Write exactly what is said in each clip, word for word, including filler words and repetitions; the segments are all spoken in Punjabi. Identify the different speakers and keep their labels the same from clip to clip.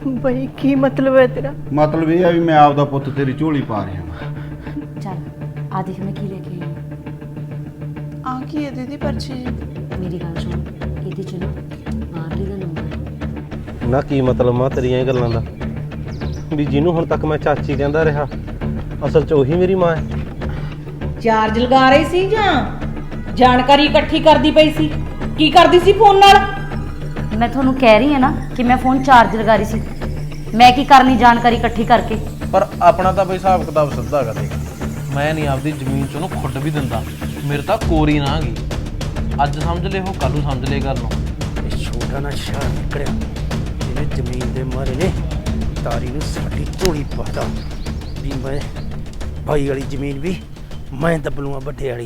Speaker 1: ਬਈ ਕੀ ਮਤਲਬ ਹੈ ਤੇਰਾ?
Speaker 2: ਮਤਲਬ ਇਹ ਆ ਵੀ ਮੈਂ ਆਪਦਾ ਪੁੱਤ ਤੇਰੀ ਝੋਲੀ ਪਾ ਰਿਹਾ ਹਾਂ।
Speaker 3: ਚੱਲ ਆ ਦੇਖ ਮੈਂ ਕੀ ਲੈ ਕੇ ਆਈ
Speaker 1: ਆ ਕੀ ਹੈ ਦੀਦੀ ਪਰਚੀ ਜੀ?
Speaker 3: ਮੇਰੀ ਗੱਲ ਸੁਣ, ਇਹਦੇ ਚ ਨਾ ਮਾਰਲੀ ਦਾ ਨੰਬਰ।
Speaker 4: ਨਾ ਕੀ ਮਤਲਬ ਮਾਂ ਤੇਰੀਆਂ ਇਹ ਗੱਲਾਂ ਦਾ ਵੀ ਜਿਹਨੂੰ ਹੁਣ ਤੱਕ ਮੈਂ ਚਾਚੀ ਕਹਿੰਦਾ ਰਿਹਾ ਅਸਲ 'ਚ ਉਹੀ ਮੇਰੀ ਮਾਂ ਹੈ।
Speaker 5: ਚਾਰਜ ਲਗਾ ਰਹੀ ਸੀ ਜਾਂ ਜਾਣਕਾਰੀ ਇਕੱਠੀ ਕਰਦੀ ਪਈ ਸੀ? ਕੀ ਕਰਦੀ ਸੀ ਫੋਨ ਨਾਲ?
Speaker 3: ਮੈਂ ਤੁਹਾਨੂੰ ਕਹਿ ਰਹੀ ਹਾਂ ਨਾ ਕਿ ਮੈਂ ਫੋਨ ਚਾਰਜ ਲਗਾ ਰਹੀ ਸੀ। ਮੈਂ ਕੀ ਕਰਨੀ ਜਾਣਕਾਰੀ ਇਕੱਠੀ ਕਰਕੇ?
Speaker 6: ਪਰ ਆਪਣਾ ਤਾਂ ਬਈ ਹਿਸਾਬ ਕਿਤਾਬ ਸਿੱਧਾ ਕਰ ਦੇ। ਮੈਂ ਨਹੀਂ ਆਪਦੀ ਜ਼ਮੀਨ ਚੋਂ ਉਹਨੂੰ ਖੁੱਡ ਵੀ ਦਿੰਦਾ। ਮੇਰੇ ਤਾਂ ਕੋਰੀ ਨਾ ਗਈ। ਅੱਜ ਸਮਝ ਲੈ ਉਹ ਕੱਲ੍ਹ ਨੂੰ ਸਮਝ ਲੈ ਗੱਲ ਨੂੰ।
Speaker 7: ਇਹ ਛੋਟਾ ਨਾ ਸ਼ਾਹ ਨਿਕਲਿਆ ਇਹਨੇ ਜ਼ਮੀਨ ਦੇ ਮਾਰੇ ਨੇ ਤਾਰੀ ਨੂੰ ਸਾਡੀ ਝੋਲੀ ਪਾਤਾ ਵੀ ਮੈਂ ਭਾਈ ਵਾਲੀ ਜ਼ਮੀਨ ਵੀ ਮੈਂ ਦੱਬਲੂਆਂ ਵੱਡੇ ਵਾਲੀ।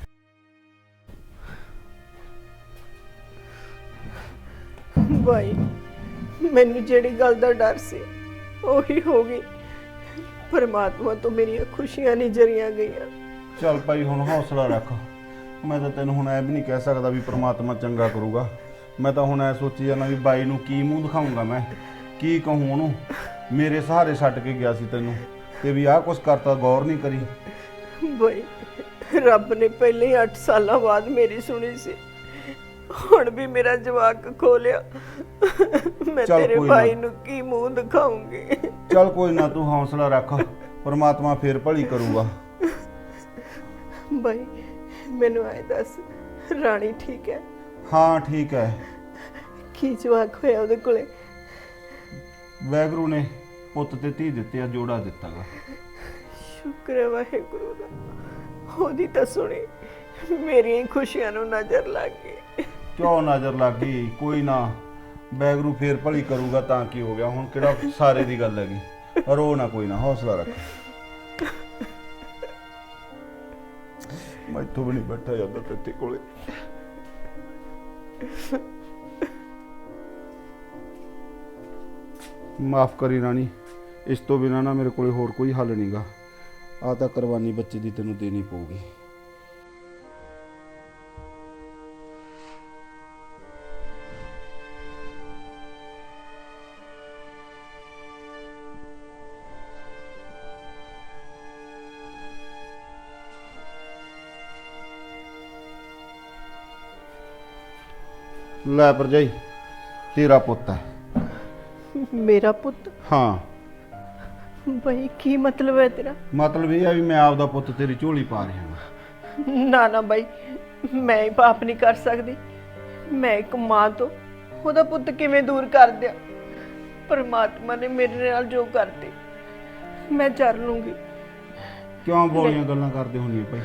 Speaker 1: ਬਾਈ ਮੈਨੂੰ ਜਿਹੜੀ ਗੱਲ ਦਾ ਡਰ ਸੀ ਉਹੀ ਹੋ ਗਈ। ਪਰਮਾਤਮਾ ਤੋਂ ਮੇਰੀਆਂ ਖੁਸ਼ੀਆਂ ਨਹੀਂ ਜਰੀਆਂ ਗਈਆਂ।
Speaker 2: ਚੱਲ ਭਾਈ ਹੁਣ ਹੌਸਲਾ ਰੱਖ। ਮੈਂ ਤਾਂ ਤੈਨੂੰ ਹੁਣ ਐ ਵੀ ਨਹੀਂ ਕਹਿ ਸਕਦਾ ਵੀ ਪ੍ਰਮਾਤਮਾ ਚੰਗਾ ਕਰੂਗਾ। ਮੈਂ ਤਾਂ ਹੁਣ ਐ ਸੋਚੀ ਜਾਂਦਾ ਵੀ ਬਾਈ ਨੂੰ ਕੀ ਮੂੰਹ ਦਿਖਾਊਂਗਾ, ਮੈਂ ਕੀ ਕਹੂੰ ਉਹਨੂੰ। ਮੇਰੇ ਸਹਾਰੇ ਛੱਡ ਕੇ ਗਿਆ ਸੀ ਤੈਨੂੰ ਤੇ ਵੀ ਆਹ ਕੁਛ ਕਰਤਾ, ਗੌਰ ਨਹੀਂ ਕਰੀ।
Speaker 1: ਬਾਈ ਰੱਬ ਨੇ ਪਹਿਲੇ ਹੀ ਅੱਠ ਸਾਲਾਂ ਬਾਅਦ ਮੇਰੀ ਸੁਣੀ ਸੀ। ਹੁਣ ਵੀ ਮੇਰਾ ਜਵਾਕ ਖੋਲਿਆ। ਮੈਂ
Speaker 2: ਚੱਲ
Speaker 1: ਤੇਰੇ
Speaker 2: ਕੋਈ ਨਾ।
Speaker 1: ਭਾਈ ਨੂੰ ਕੀ ਮੂੰਹ ਦਿਖਾਉਂਗੀ?
Speaker 2: ਚੱਲ ਕੋਈ ਨਾ, ਤੂੰ ਹੌਸਲਾ ਰੱਖ। ਪ੍ਰਮਾਤਮਾ ਫੇਰ ਭਲੀ ਕਰੂਗਾ।
Speaker 1: ਬਾਈ ਮੈਨੂੰ ਆਏ ਦੱਸ, ਰਾਣੀ ਠੀਕ ਹੈ?
Speaker 2: ਹਾਂ ਠੀਕ ਹੈ।
Speaker 1: ਕੀ ਜਵਾਕ ਹੋਇਆ ਉਹਦੇ ਕੋਲੇ?
Speaker 2: ਵਾਹਿਗੁਰੂ ਨੇ ਪੁੱਤ ਤੇ ਧੀ ਦਿੱਤੇ ਆ, ਜੋੜਾ ਦਿੱਤਾ ਗਾ।
Speaker 1: ਸ਼ੁਕਰ ਹੈ ਵਾਹਿਗੁਰੂ ਦਾ, ਉਹਦੀ ਤਾਂ ਸੁਣੀ ਮੇਰੀਆਂ ਹੀ ਖੁਸ਼ੀਆਂ ਨੂੰ ਨਜ਼ਰ ਲੱਗ ਗਈ।
Speaker 2: ਕਿਉਂ ਨਜ਼ਰ ਲੱਗ ਗਈ? ਕੋਈ ਨਾ, ਵਾਹਿਗੁਰੂ ਫੇਰ ਭਲੀ ਕਰੂਗਾ। ਤਾਂ ਕੀ ਹੋ ਗਿਆ, ਹੁਣ ਕਿਹੜਾ ਸਾਰੇ ਦੀ ਗੱਲ ਹੈਗੀ। ਰੋ ਨਾ, ਕੋਈ ਨਾ, ਹੌਸਲਾ ਰੱਖ। ਮੈਥੋਂ ਵੀ ਨਹੀਂ ਬੈਠਾ ਜਾਂਦਾ ਤੇਰੇ ਕੋਲੇ। ਮਾਫ ਕਰੀ ਰਾਣੀ, ਇਸ ਤੋਂ ਬਿਨਾਂ ਨਾ ਮੇਰੇ ਕੋਲੇ ਹੋਰ ਕੋਈ ਹੱਲ ਨਹੀਂਗਾ। ਆ ਤਾਂ ਕੁਰਬਾਨੀ ਬੱਚੇ ਦੀ ਤੈਨੂੰ ਦੇਣੀ ਪਊਗੀ। ਲੈ ਭਰਜਾਈ, ਤੇਰਾ ਪੁੱਤ ਹੈ।
Speaker 1: ਮੇਰਾ ਪੁੱਤ?
Speaker 2: ਹਾਂ।
Speaker 1: ਬਈ ਕੀ ਮਤਲਬ ਹੈ ਤੇਰਾ?
Speaker 2: ਮਤਲਬ ਇਹ ਆ ਵੀ ਮੈਂ ਆਪਦਾ ਪੁੱਤ ਤੇਰੀ ਝੋਲੀ ਪਾ ਰਿਹਾ ਹਾਂ।
Speaker 1: ਨਾ ਨਾ ਬਾਈ, ਮੈਂ ਹੀ ਪਾਪ ਨਹੀਂ ਕਰ ਸਕਦੀ। ਮੈਂ ਇੱਕ ਮਾਂ ਤੋਂ ਉਹਦਾ ਪੁੱਤ ਕਿਵੇਂ ਦੂਰ ਕਰ ਦਿਆਂ? ਪਰਮਾਤਮਾ ਨੇ ਮੇਰੇ ਨਾਲ ਜੋ ਕਰਤੇ ਮੈਂ ਕਰ ਲੂੰਗੀ।
Speaker 2: ਕਿਉਂ ਬੋਲੀਆਂ ਗੱਲਾਂ ਕਰਦੇ ਹੁੰਦੀ ਭਾਈ?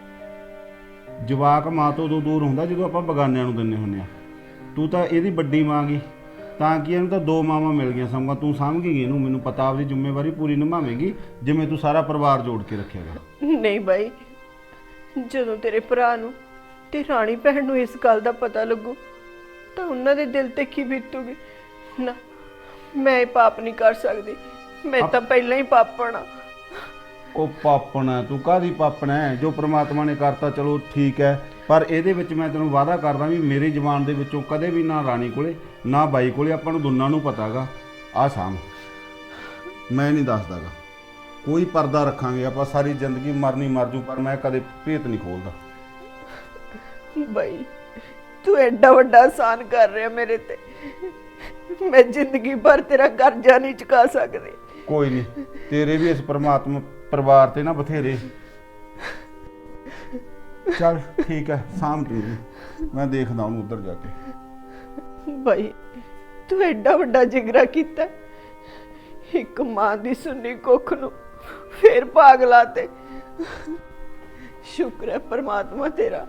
Speaker 2: ਜਵਾਕ ਮਾਂ ਤੋਂ ਉਦੋਂ ਦੂਰ ਹੁੰਦਾ ਜਦੋਂ ਆਪਾਂ ਬਗਾਨਿਆਂ ਨੂੰ ਦਿੰਦੇ ਹੁੰਦੇ ਆ। ਤੂੰ ਤਾਂ ਇਹਦੀ ਵੱਡੀ ਮਾਂ ਗੀ, ਤਾਂ ਕਿ ਇਹਨੂੰ ਤਾਂ ਦੋ ਮਾਵਾਂ ਮਿਲ ਗਈਆਂ। ਸਮਝਾ ਤੂੰ ਸਾਂਭੇਂਗੀ ਇਹਨੂੰ। ਮੈਨੂੰ ਪਤਾ ਆਪਦੀ ਜ਼ਿੰਮੇਵਾਰੀ ਪੂਰੀ ਨਿਭਾਵੇਂਗੀ ਜਿਵੇਂ ਤੂੰ ਸਾਰਾ ਪਰਿਵਾਰ ਜੋੜ ਕੇ ਰੱਖੇਗਾ।
Speaker 1: ਨਹੀਂ ਬਾਈ, ਜਦੋਂ ਤੇਰੇ ਭਰਾ ਨੂੰ ਤੇ ਰਾਣੀ ਭੈਣ ਨੂੰ ਇਸ ਗੱਲ ਦਾ ਪਤਾ ਲੱਗੂ ਤਾਂ ਉਹਨਾਂ ਦੇ ਦਿਲ ਤੇ ਕੀ ਬੀਤੂਗੀ। ਨਾ, ਮੈਂ ਇਹ ਪਾਪ ਨਹੀਂ ਕਰ ਸਕਦੀ। ਮੈਂ ਤਾਂ ਪਹਿਲਾਂ ਹੀ ਪਾਪਣ ਆ।
Speaker 2: ਉਹ ਪਾਪਣ ਹੈ ਤੂੰ? ਕਾਹਦੀ ਪਾਪਣ ਹੈ? ਜੋ ਪ੍ਰਮਾਤਮਾ ਨੇ ਕਰਤਾ ਚਲੋ ਠੀਕ ਹੈ, ਪਰ ਇਹਦੇ ਵਿੱਚ ਮੈਂ ਤੈਨੂੰ ਵਾਅਦਾ ਕਰਦਾ ਵੀ ਮੇਰੀ ਜ਼ੁਬਾਨ ਦੇ ਵਿੱਚੋਂ ਕਦੇ ਵੀ ਨਾ ਰਾਣੀ ਕੋਲੇ ਨਾ ਬਾਈ ਕੋਲੇ, ਆਪਾਂ ਨੂੰ ਦੋਨਾਂ ਨੂੰ ਪਤਾ ਗਾ। ਆਹ ਸਾਮ ਮੈਂ ਨਹੀਂ ਦੱਸਦਾਗਾ। ਕੋਈ ਪਰਦਾ ਰੱਖਾਂਗੇ ਆਪਾਂ ਸਾਰੀ ਜ਼ਿੰਦਗੀ, ਮਰਨੀ ਮਰ ਜੂ, ਪਰ ਮੈਂ ਕਦੇ ਭੇਤ ਨਹੀਂ ਖੋਲਦਾ।
Speaker 1: ਬਾਈ ਤੂੰ ਐਡਾ ਵੱਡਾ ਆਸਾਨ ਕਰ ਰਿਹਾ ਮੇਰੇ ਤੇ। ਮੈਂ ਜ਼ਿੰਦਗੀ ਭਰ ਤੇਰਾ ਕਰਜ਼ਾ ਨਹੀਂ ਚੁਕਾ ਸਕਦੀ।
Speaker 2: ਕੋਈ ਨਹੀਂ, ਤੇਰੇ ਵੀ ਇਸ ਪ੍ਰਮਾਤਮਾ ਪਰਿਵਾਰ ਤੇ ਨਾ ਬਥੇਰੇ। ਚੱਲ ਠੀਕ ਹੈ, ਸਾਂਭ ਤੂੰ, ਮੈਂ ਦੇਖਦਾ ਉਹਨੂੰ ਉੱਧਰ ਜਾ ਕੇ।
Speaker 1: ਬਾਈ ਤੂੰ ਐਡਾ ਵੱਡਾ ਜਿਗਰਾ ਕੀਤਾ, ਇੱਕ ਮਾਂ ਦੀ ਸੁੰਨੀ ਕੁੱਖ ਨੂੰ ਫੇਰ ਭਾਗ ਲਾਤੇ। ਸ਼ੁਕਰ ਹੈ ਪਰਮਾਤਮਾ ਤੇਰਾ।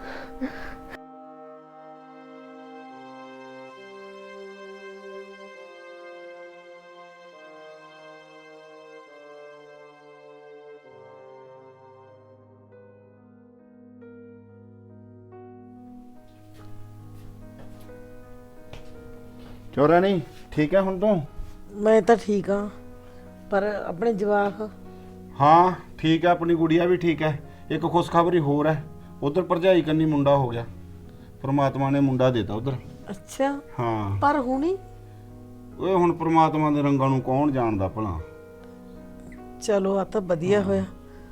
Speaker 2: ਚੋਰਾ ਨਹੀਂ ਠੀਕ ਹੈ ਹੁਣ ਤੂੰ?
Speaker 5: ਮੈਂ ਤਾਂ ਠੀਕ ਹਾਂ, ਪਰ ਆਪਣੇ ਜਵਾਕ?
Speaker 2: ਹਾਂ ਠੀਕ ਹੈ, ਆਪਣੀ ਗੁੜੀਆ ਵੀ ਠੀਕ ਹੈ। ਇੱਕ ਖੁਸ਼ਖਬਰੀ ਹੋਰ ਹੈ, ਉਧਰ ਭਰਜਾਈ ਕੰਨੀ ਮੁੰਡਾ ਹੋ ਗਿਆ। ਪ੍ਰਮਾਤਮਾ ਨੇ ਮੁੰਡਾ ਦੇਤਾ ਉਧਰ।
Speaker 5: ਅੱਛਾ।
Speaker 2: ਹਾਂ
Speaker 5: ਪਰ ਹੁਣੀ
Speaker 2: ਓਏ ਹੁਣ ਪ੍ਰਮਾਤਮਾ ਦੇ ਰੰਗਾਂ ਨੂੰ ਕੌਣ ਜਾਣਦਾ ਭਲਾ।
Speaker 8: ਚਲੋ ਆ ਤਾਂ ਵਧੀਆ ਹੋਇਆ।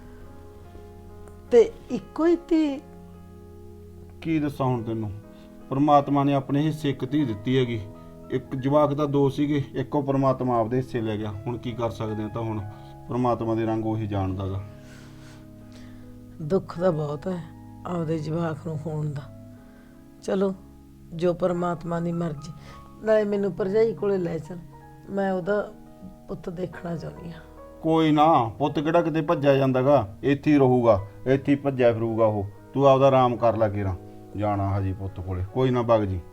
Speaker 8: ਤੇ ਇੱਕੋ ਹੀ ਧੀ?
Speaker 2: ਕੀ ਦੱਸਾਂ ਹੁਣ ਤੈਨੂੰ, ਪ੍ਰਮਾਤਮਾ ਨੇ ਆਪਣੇ ਹਿੱਸੇ ਇੱਕ ਧੀ ਦਿੱਤੀ ਹੈਗੀ। ਇੱਕ ਜਵਾਕ ਦਾ ਦੋ ਸੀਗੇ, ਇੱਕੋ ਪ੍ਰਮਾਤਮਾ ਆਪਦੇ ਹਿੱਸੇ ਲੈ ਗਿਆ। ਹੁਣ ਕੀ ਕਰ ਸਕਦੇ ਆ, ਤਾਂ ਹੁਣ ਪ੍ਰਮਾਤਮਾ ਦੇ ਰੰਗ ਉਹੀ ਜਾਣਦਾ ਗਾ।
Speaker 8: ਦੁੱਖ ਤਾਂ ਬਹੁਤ ਹੈ ਆਪਦੇ ਜਵਾਕ ਨੂੰ ਹੋਣ ਦਾ। ਚਲੋ ਜੋ ਪਰਮਾਤਮਾ ਦੀ ਮਰਜ਼ੀ। ਨਾਲੇ ਮੈਨੂੰ ਭਰਜਾਈ ਕੋਲੇ ਲੈ ਚੱਲ, ਮੈਂ ਉਹਦਾ ਪੁੱਤ ਦੇਖਣਾ ਚਾਹੁੰਦੀ ਹਾਂ।
Speaker 2: ਕੋਈ ਨਾ, ਪੁੱਤ ਕਿਹੜਾ ਕਿਤੇ ਭੱਜਿਆ ਜਾਂਦਾਗਾ, ਇੱਥੇ ਹੀ ਰਹੂਗਾ, ਇੱਥੇ ਹੀ ਭੱਜਿਆ ਫਿਰੂਗਾ ਉਹ। ਤੂੰ ਆਪਦਾ ਆਰਾਮ ਕਰ ਲੈ ਕੇਰਾ, ਜਾਣਾ ਹਜੀ ਪੁੱਤ ਕੋਲੇ, ਕੋਈ ਨਾ ਵਗ ਜੀ।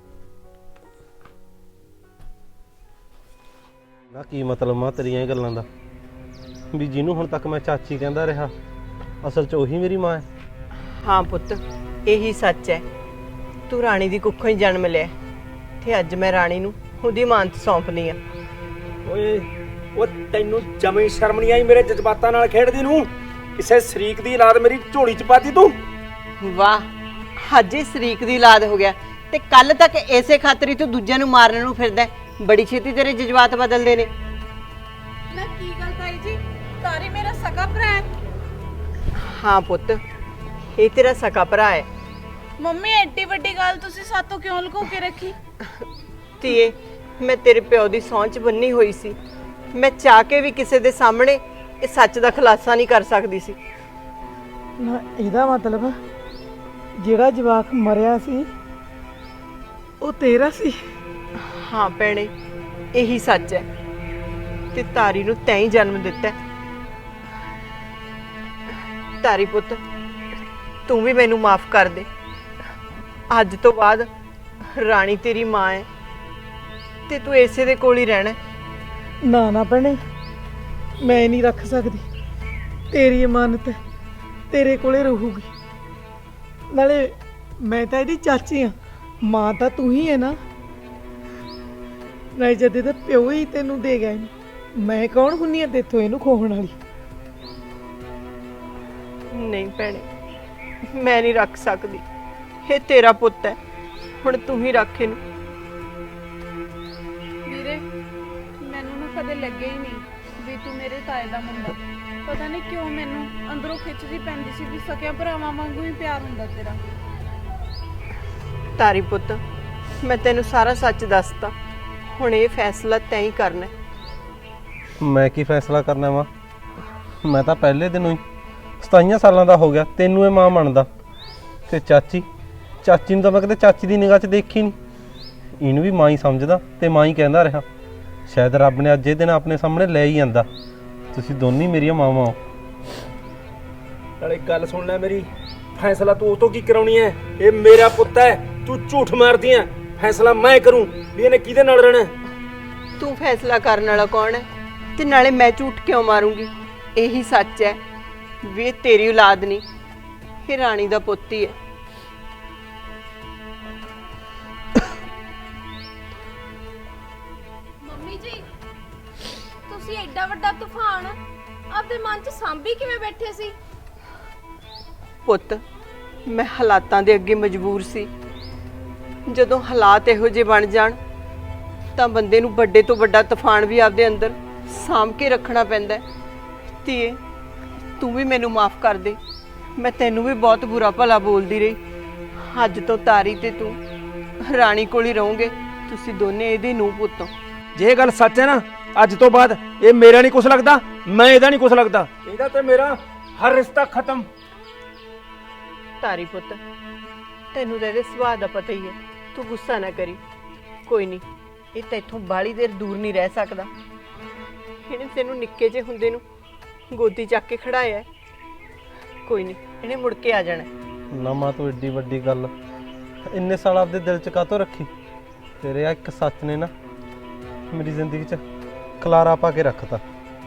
Speaker 4: ਨਾ ਕੀ ਮਤਲਬ ਮਾਂ ਤੇਰੀਆਂ ਇਹ ਗੱਲਾਂ ਦਾ, ਵੀ ਜਿਹਨੂੰ ਹੁਣ ਤੱਕ ਮੈਂ ਚਾਚੀ ਕਹਿੰਦਾ ਰਿਹਾ ਅਸਲ 'ਚ ਉਹੀ ਮੇਰੀ ਮਾਂ ਹੈ।
Speaker 1: ਹਾਂ ਪੁੱਤ, ਇਹੀ ਸੱਚ ਹੈ। ਤੂੰ ਰਾਣੀ ਦੀ ਕੁੱਖੋਂ ਹੀ ਜਨਮ ਲਿਆ ਤੇ ਅੱਜ ਮੈਂ ਰਾਣੀ ਨੂੰ ਉਹਦੀ ਮਾਨਤ ਸੌਂਪਣੀ ਆ।
Speaker 7: ਓਏ ਉਹ ਤੈਨੂੰ ਜਮੇ ਸ਼ਰਮ ਨਹੀਂ ਆਈ ਮੇਰੇ ਜਜ਼ਬਾਤਾਂ ਨਾਲ ਖੇਡਦੀ ਨੂੰ? ਕਿਸੇ ਸ਼ਰੀਕ ਦੀ ਔਲਾਦ ਮੇਰੀ ਝੋਲੀ 'ਚ ਪਾਤੀ ਤੂੰ।
Speaker 1: ਵਾਹ, ਅੱਜ ਹੀ ਸ਼ਰੀਕ ਦੀ ਔਲਾਦ ਹੋ ਗਿਆ ਤੇ ਕੱਲ ਤੱਕ ਐਸੇ ਖਾਤਰੀ ਤੂੰ ਦੂਜਿਆਂ ਨੂੰ ਮਾਰਨ ਨੂੰ ਫਿਰਦਾ। ਬੜੀ ਛੇਤੀ ਤੇਰੇ ਜਜ਼ਬਾਤ ਬਦਲਦੇ ਨੇ।
Speaker 5: ਨਾ ਕੀ ਗੱਲ ਤਾਈ ਜੀ, ਤਾਰੀ ਮੇਰਾ ਸਕਾ ਭਰਾ ਹੈ।
Speaker 1: ਹਾਂ ਪੁੱਤ, ਇਹ ਤੇਰਾ ਸਕਾ ਭਰਾ ਹੈ।
Speaker 5: ਮੰਮੀ ਐਡੀ ਵੱਡੀ ਗੱਲ ਤੁਸੀਂ ਸਾਤੋਂ ਕਿਉਂ ਲੁਕੋ ਕੇ ਰੱਖੀ?
Speaker 1: ਧੀਏ, ਮੈਂ ਤੇਰੇ ਪਿਓ ਦੀ ਸਹੁੰ 'ਚ ਬੰਨੀ ਹੋਈ ਸੀ। ਮੈਂ ਚਾਹ ਕੇ ਵੀ ਕਿਸੇ ਦੇ ਸਾਹਮਣੇ ਇਹ ਸੱਚ ਦਾ ਖੁਲਾਸਾ ਨਹੀਂ ਕਰ ਸਕਦੀ ਸੀ।
Speaker 8: ਨਾ ਇਹਦਾ ਮਤਲਬ ਜਿਹੜਾ ਜਵਾਕ ਮਰਿਆ ਸੀ ਉਹ ਤੇਰਾ ਸੀ?
Speaker 1: ਹਾਂ ਭੈਣੇ, ਇਹੀ ਸੱਚ ਹੈ ਤੇ ਤਾਰੀ ਨੂੰ ਤੈਂ ਹੀ ਜਨਮ ਦਿੱਤਾ। ਤਾਰੀ ਪੁੱਤ, ਤੂੰ ਵੀ ਮੈਨੂੰ ਮਾਫ ਕਰ ਦੇ। ਅੱਜ ਤੋਂ ਬਾਅਦ ਰਾਣੀ ਤੇਰੀ ਮਾਂ ਹੈ ਤੇ ਤੂੰ ਇਸੇ ਦੇ ਕੋਲ ਹੀ ਰਹਿਣਾ।
Speaker 8: ਨਾ ਨਾ ਭੈਣੇ, ਮੈਂ ਨਹੀਂ ਰੱਖ ਸਕਦੀ। ਤੇਰੀ ਇਮਾਨਤ ਹੈ, ਤੇਰੇ ਕੋਲੇ ਰਹੂਗੀ। ਨਾਲੇ ਮੈਂ ਤਾਂ ਇਹਦੀ ਚਾਚੀ ਆ, ਮਾਂ ਤਾਂ ਤੂੰ ਹੀ ਹੈ ਨਾ। ਨਹੀਂ ਜਦ ਇਹਦਾ ਪਿਓ ਹੀ ਤੈਨੂੰ ਦੇ ਗਿਆ ਇਹਨੂੰ, ਮੈਂ ਕੌਣ ਹੁੰਨੀ ਆ ਤੇਥੋਂ ਇਹਨੂੰ ਖੋਹਣ ਵਾਲੀ?
Speaker 1: ਨਹੀਂ ਭੈਣੇ, ਮੈਂ ਨਹੀਂ ਰੱਖ ਸਕਦੀ। ਇਹ ਤੇਰਾ ਪੁੱਤ ਹੈ, ਹੁਣ ਤੂੰ ਹੀ ਰੱਖ ਇਹਨੂੰ।
Speaker 9: ਵੀਰੇ, ਮੈਨੂੰ ਨਾ ਕਦੇ ਲੱਗਿਆ ਹੀ ਨਹੀਂ ਵੀ ਤੂੰ ਮੇਰੇ ਤਾਏ ਦਾ ਮੁੰਡਾ। ਪਤਾ ਨਹੀਂ ਕਿਉਂ ਮੈਨੂੰ ਅੰਦਰੋਂ ਖਿੱਚਦੀ ਪੈਂਦੀ ਸੀ ਵੀ ਸਕਿਆ ਭਰਾਵਾਂ ਵਾਂਗੂ ਹੀ ਪਿਆਰ ਹੁੰਦਾ ਤੇਰਾ।
Speaker 1: ਤਾਰੀ ਪੁੱਤ, ਮੈਂ ਤੈਨੂੰ ਸਾਰਾ ਸੱਚ ਦੱਸਤਾ। ਹੁਣ ਇਹ ਫੈਸਲਾ ਤੈਂ ਹੀ ਕਰਨਾ।
Speaker 4: ਮੈਂ ਕੀ ਫੈਸਲਾ ਕਰਨਾ ਵਾ? ਮੈਂ ਤਾਂ ਪਹਿਲੇ ਦਿਨੋਂ ਹੀ ਸਤਾਈਆਂ ਸਾਲਾਂ ਦਾ ਹੋ ਗਿਆ ਤੈਨੂੰ ਇਹ ਮਾਂ ਮੰਨਦਾ। ਤੇ ਚਾਚੀ ਚਾਚੀ ਨੂੰ ਤਾਂ ਮੈਂ ਕਦੇ ਚਾਚੀ ਦੀ ਨਿਗਾਹ 'ਚ ਦੇਖੀ ਨਹੀਂ। ਇਹਨੂੰ ਵੀ ਮਾਂ ਹੀ ਸਮਝਦਾ ਤੇ ਮਾਂ ਹੀ ਕਹਿੰਦਾ ਰਿਹਾ। ਸ਼ਾਇਦ ਰੱਬ ਨੇ ਅੱਜ ਇਹ ਦਿਨ ਆਪਣੇ ਸਾਹਮਣੇ ਲੈ ਹੀ ਆਂਦਾ। ਤੁਸੀਂ ਦੋਨੇ ਮੇਰੀਆਂ ਮਾਵਾਂ ਹੋ।
Speaker 7: ਨਾਲੇ ਗੱਲ ਸੁਣ ਲੈ ਮੇਰੀ, ਫੈਸਲਾ ਤੂੰ ਉਹ ਤੋਂ ਕੀ ਕਰਾਉਣੀ ਹੈ? ਇਹ ਮੇਰਾ ਪੁੱਤ ਹੈ, ਤੂੰ ਝੂਠ ਮਾਰਦੀ ਹੈ। ਫੈਸਲਾ ਮੈਂ ਕਰੂੰ ਵੀ ਇਹਨੇ ਕਿਹਦੇ ਨਾਲ ਰਹਿਣਾ।
Speaker 1: ਤੂੰ ਫੈਸਲਾ ਕਰਨ ਵਾਲਾ ਕੌਣ ਹੈ? ਤੇ ਨਾਲੇ ਮੈਂ ਝੂਠ ਕਿਉਂ ਮਾਰੂੰਗੀ? ਇਹੀ ਸੱਚ ਹੈ ਵੀ ਇਹ ਤੇਰੀ ਔਲਾਦ ਨਹੀਂ, ਇਹ ਰਾਣੀ ਦਾ ਪੁੱਤ ਹੀ ਹੈ।
Speaker 9: ਮੰਮੀ ਜੀ, ਤੁਸੀਂ ਐਡਾ ਵੱਡਾ ਤੂਫਾਨ ਆਪਦੇ ਮਨ 'ਚ ਸਾਂਭੀ ਕਿਵੇਂ ਬੈਠੇ ਸੀ?
Speaker 1: ਪੁੱਤ, ਮੈਂ ਹਾਲਾਤਾਂ ਦੇ ਅੱਗੇ ਮਜਬੂਰ ਸੀ। ਜਦੋਂ ਹਾਲਾਤ ਇਹੋ ਜਿਹੇ ਬਣ ਜਾਣ ਤਾਂ ਬੰਦੇ ਨੂੰ ਵੱਡੇ ਤੋਂ ਵੱਡਾ ਤੂਫਾਨ ਵੀ ਆਪਦੇ ਅੰਦਰ ਸਾਂਭ ਕੇ ਰੱਖਣਾ ਪੈਂਦਾ। ਧੀਏ, ਤੂੰ ਵੀ ਮੈਨੂੰ ਮਾਫ ਕਰ ਦੇ। ਮੈਂ ਤੈਨੂੰ ਵੀ ਬਹੁਤ ਬੁਰਾ ਭਲਾ ਬੋਲਦੀ ਰਹੀ। ਅੱਜ ਤੋਂ ਤਾਰੀ ਤੇ ਤੂੰ ਰਾਣੀ ਕੋਲ ਹੀ ਰਹੋਗੇ। ਤੁਸੀਂ ਦੋਨੇ ਇਹਦੇ ਨੂੰਹ ਪੁੱਤ ਹੋ।
Speaker 7: ਜੇ ਇਹ ਗੱਲ ਸੱਚ ਹੈ ਨਾ, ਅੱਜ ਤੋਂ ਬਾਅਦ ਇਹ ਮੇਰਾ ਨਹੀਂ ਕੁਛ ਲੱਗਦਾ, ਮੈਂ ਇਹਦਾ ਨਹੀਂ ਕੁਛ ਲੱਗਦਾ। ਇਹਦਾ ਤੇ ਮੇਰਾ ਹਰ ਰਿਸ਼ਤਾ ਖਤਮ।
Speaker 1: ਤਾਰੀ ਪੁੱਤ, ਤੈਨੂੰ ਤਾਂ ਇਹਦੇ ਸੁਭਾਅ ਦਾ ਪਤਾ ਹੀ ਹੈ। ਤੂੰ ਗੁੱਸਾ ਨਾ ਕਰੀ। ਕੋਈ ਨਹੀਂ, ਇਹ ਤਾਂ ਇੱਥੋਂ ਬਾਹਲੀ ਦੇਰ ਦੂਰ ਨਹੀਂ ਰਹਿ ਸਕਦਾ। ਇਹਨੇ ਤੈਨੂੰ ਨਿੱਕੇ ਜਿਹੇ ਹੁੰਦੇ ਨੂੰ ਗੋਦੀ ਚੱਕ ਕੇ ਖੜਾਇਆ। ਕੋਈ ਨਹੀਂ, ਇਹਨੇ ਮੁੜ ਕੇ ਆ ਜਾਣਾ।
Speaker 4: ਨਾ ਮਾਂ ਤੂੰ ਏਡੀ ਵੱਡੀ ਗੱਲ ਇੰਨੇ ਸਾਲ ਆਪਦੇ ਦਿਲ 'ਚ ਕਾਹਤੋਂ ਰੱਖੀ? ਤੇਰੇ ਆ ਇੱਕ ਸੱਚ ਨੇ ਨਾ ਮੇਰੀ ਜ਼ਿੰਦਗੀ 'ਚ ਖਲਾਰਾ ਪਾ ਕੇ ਰੱਖਤਾ।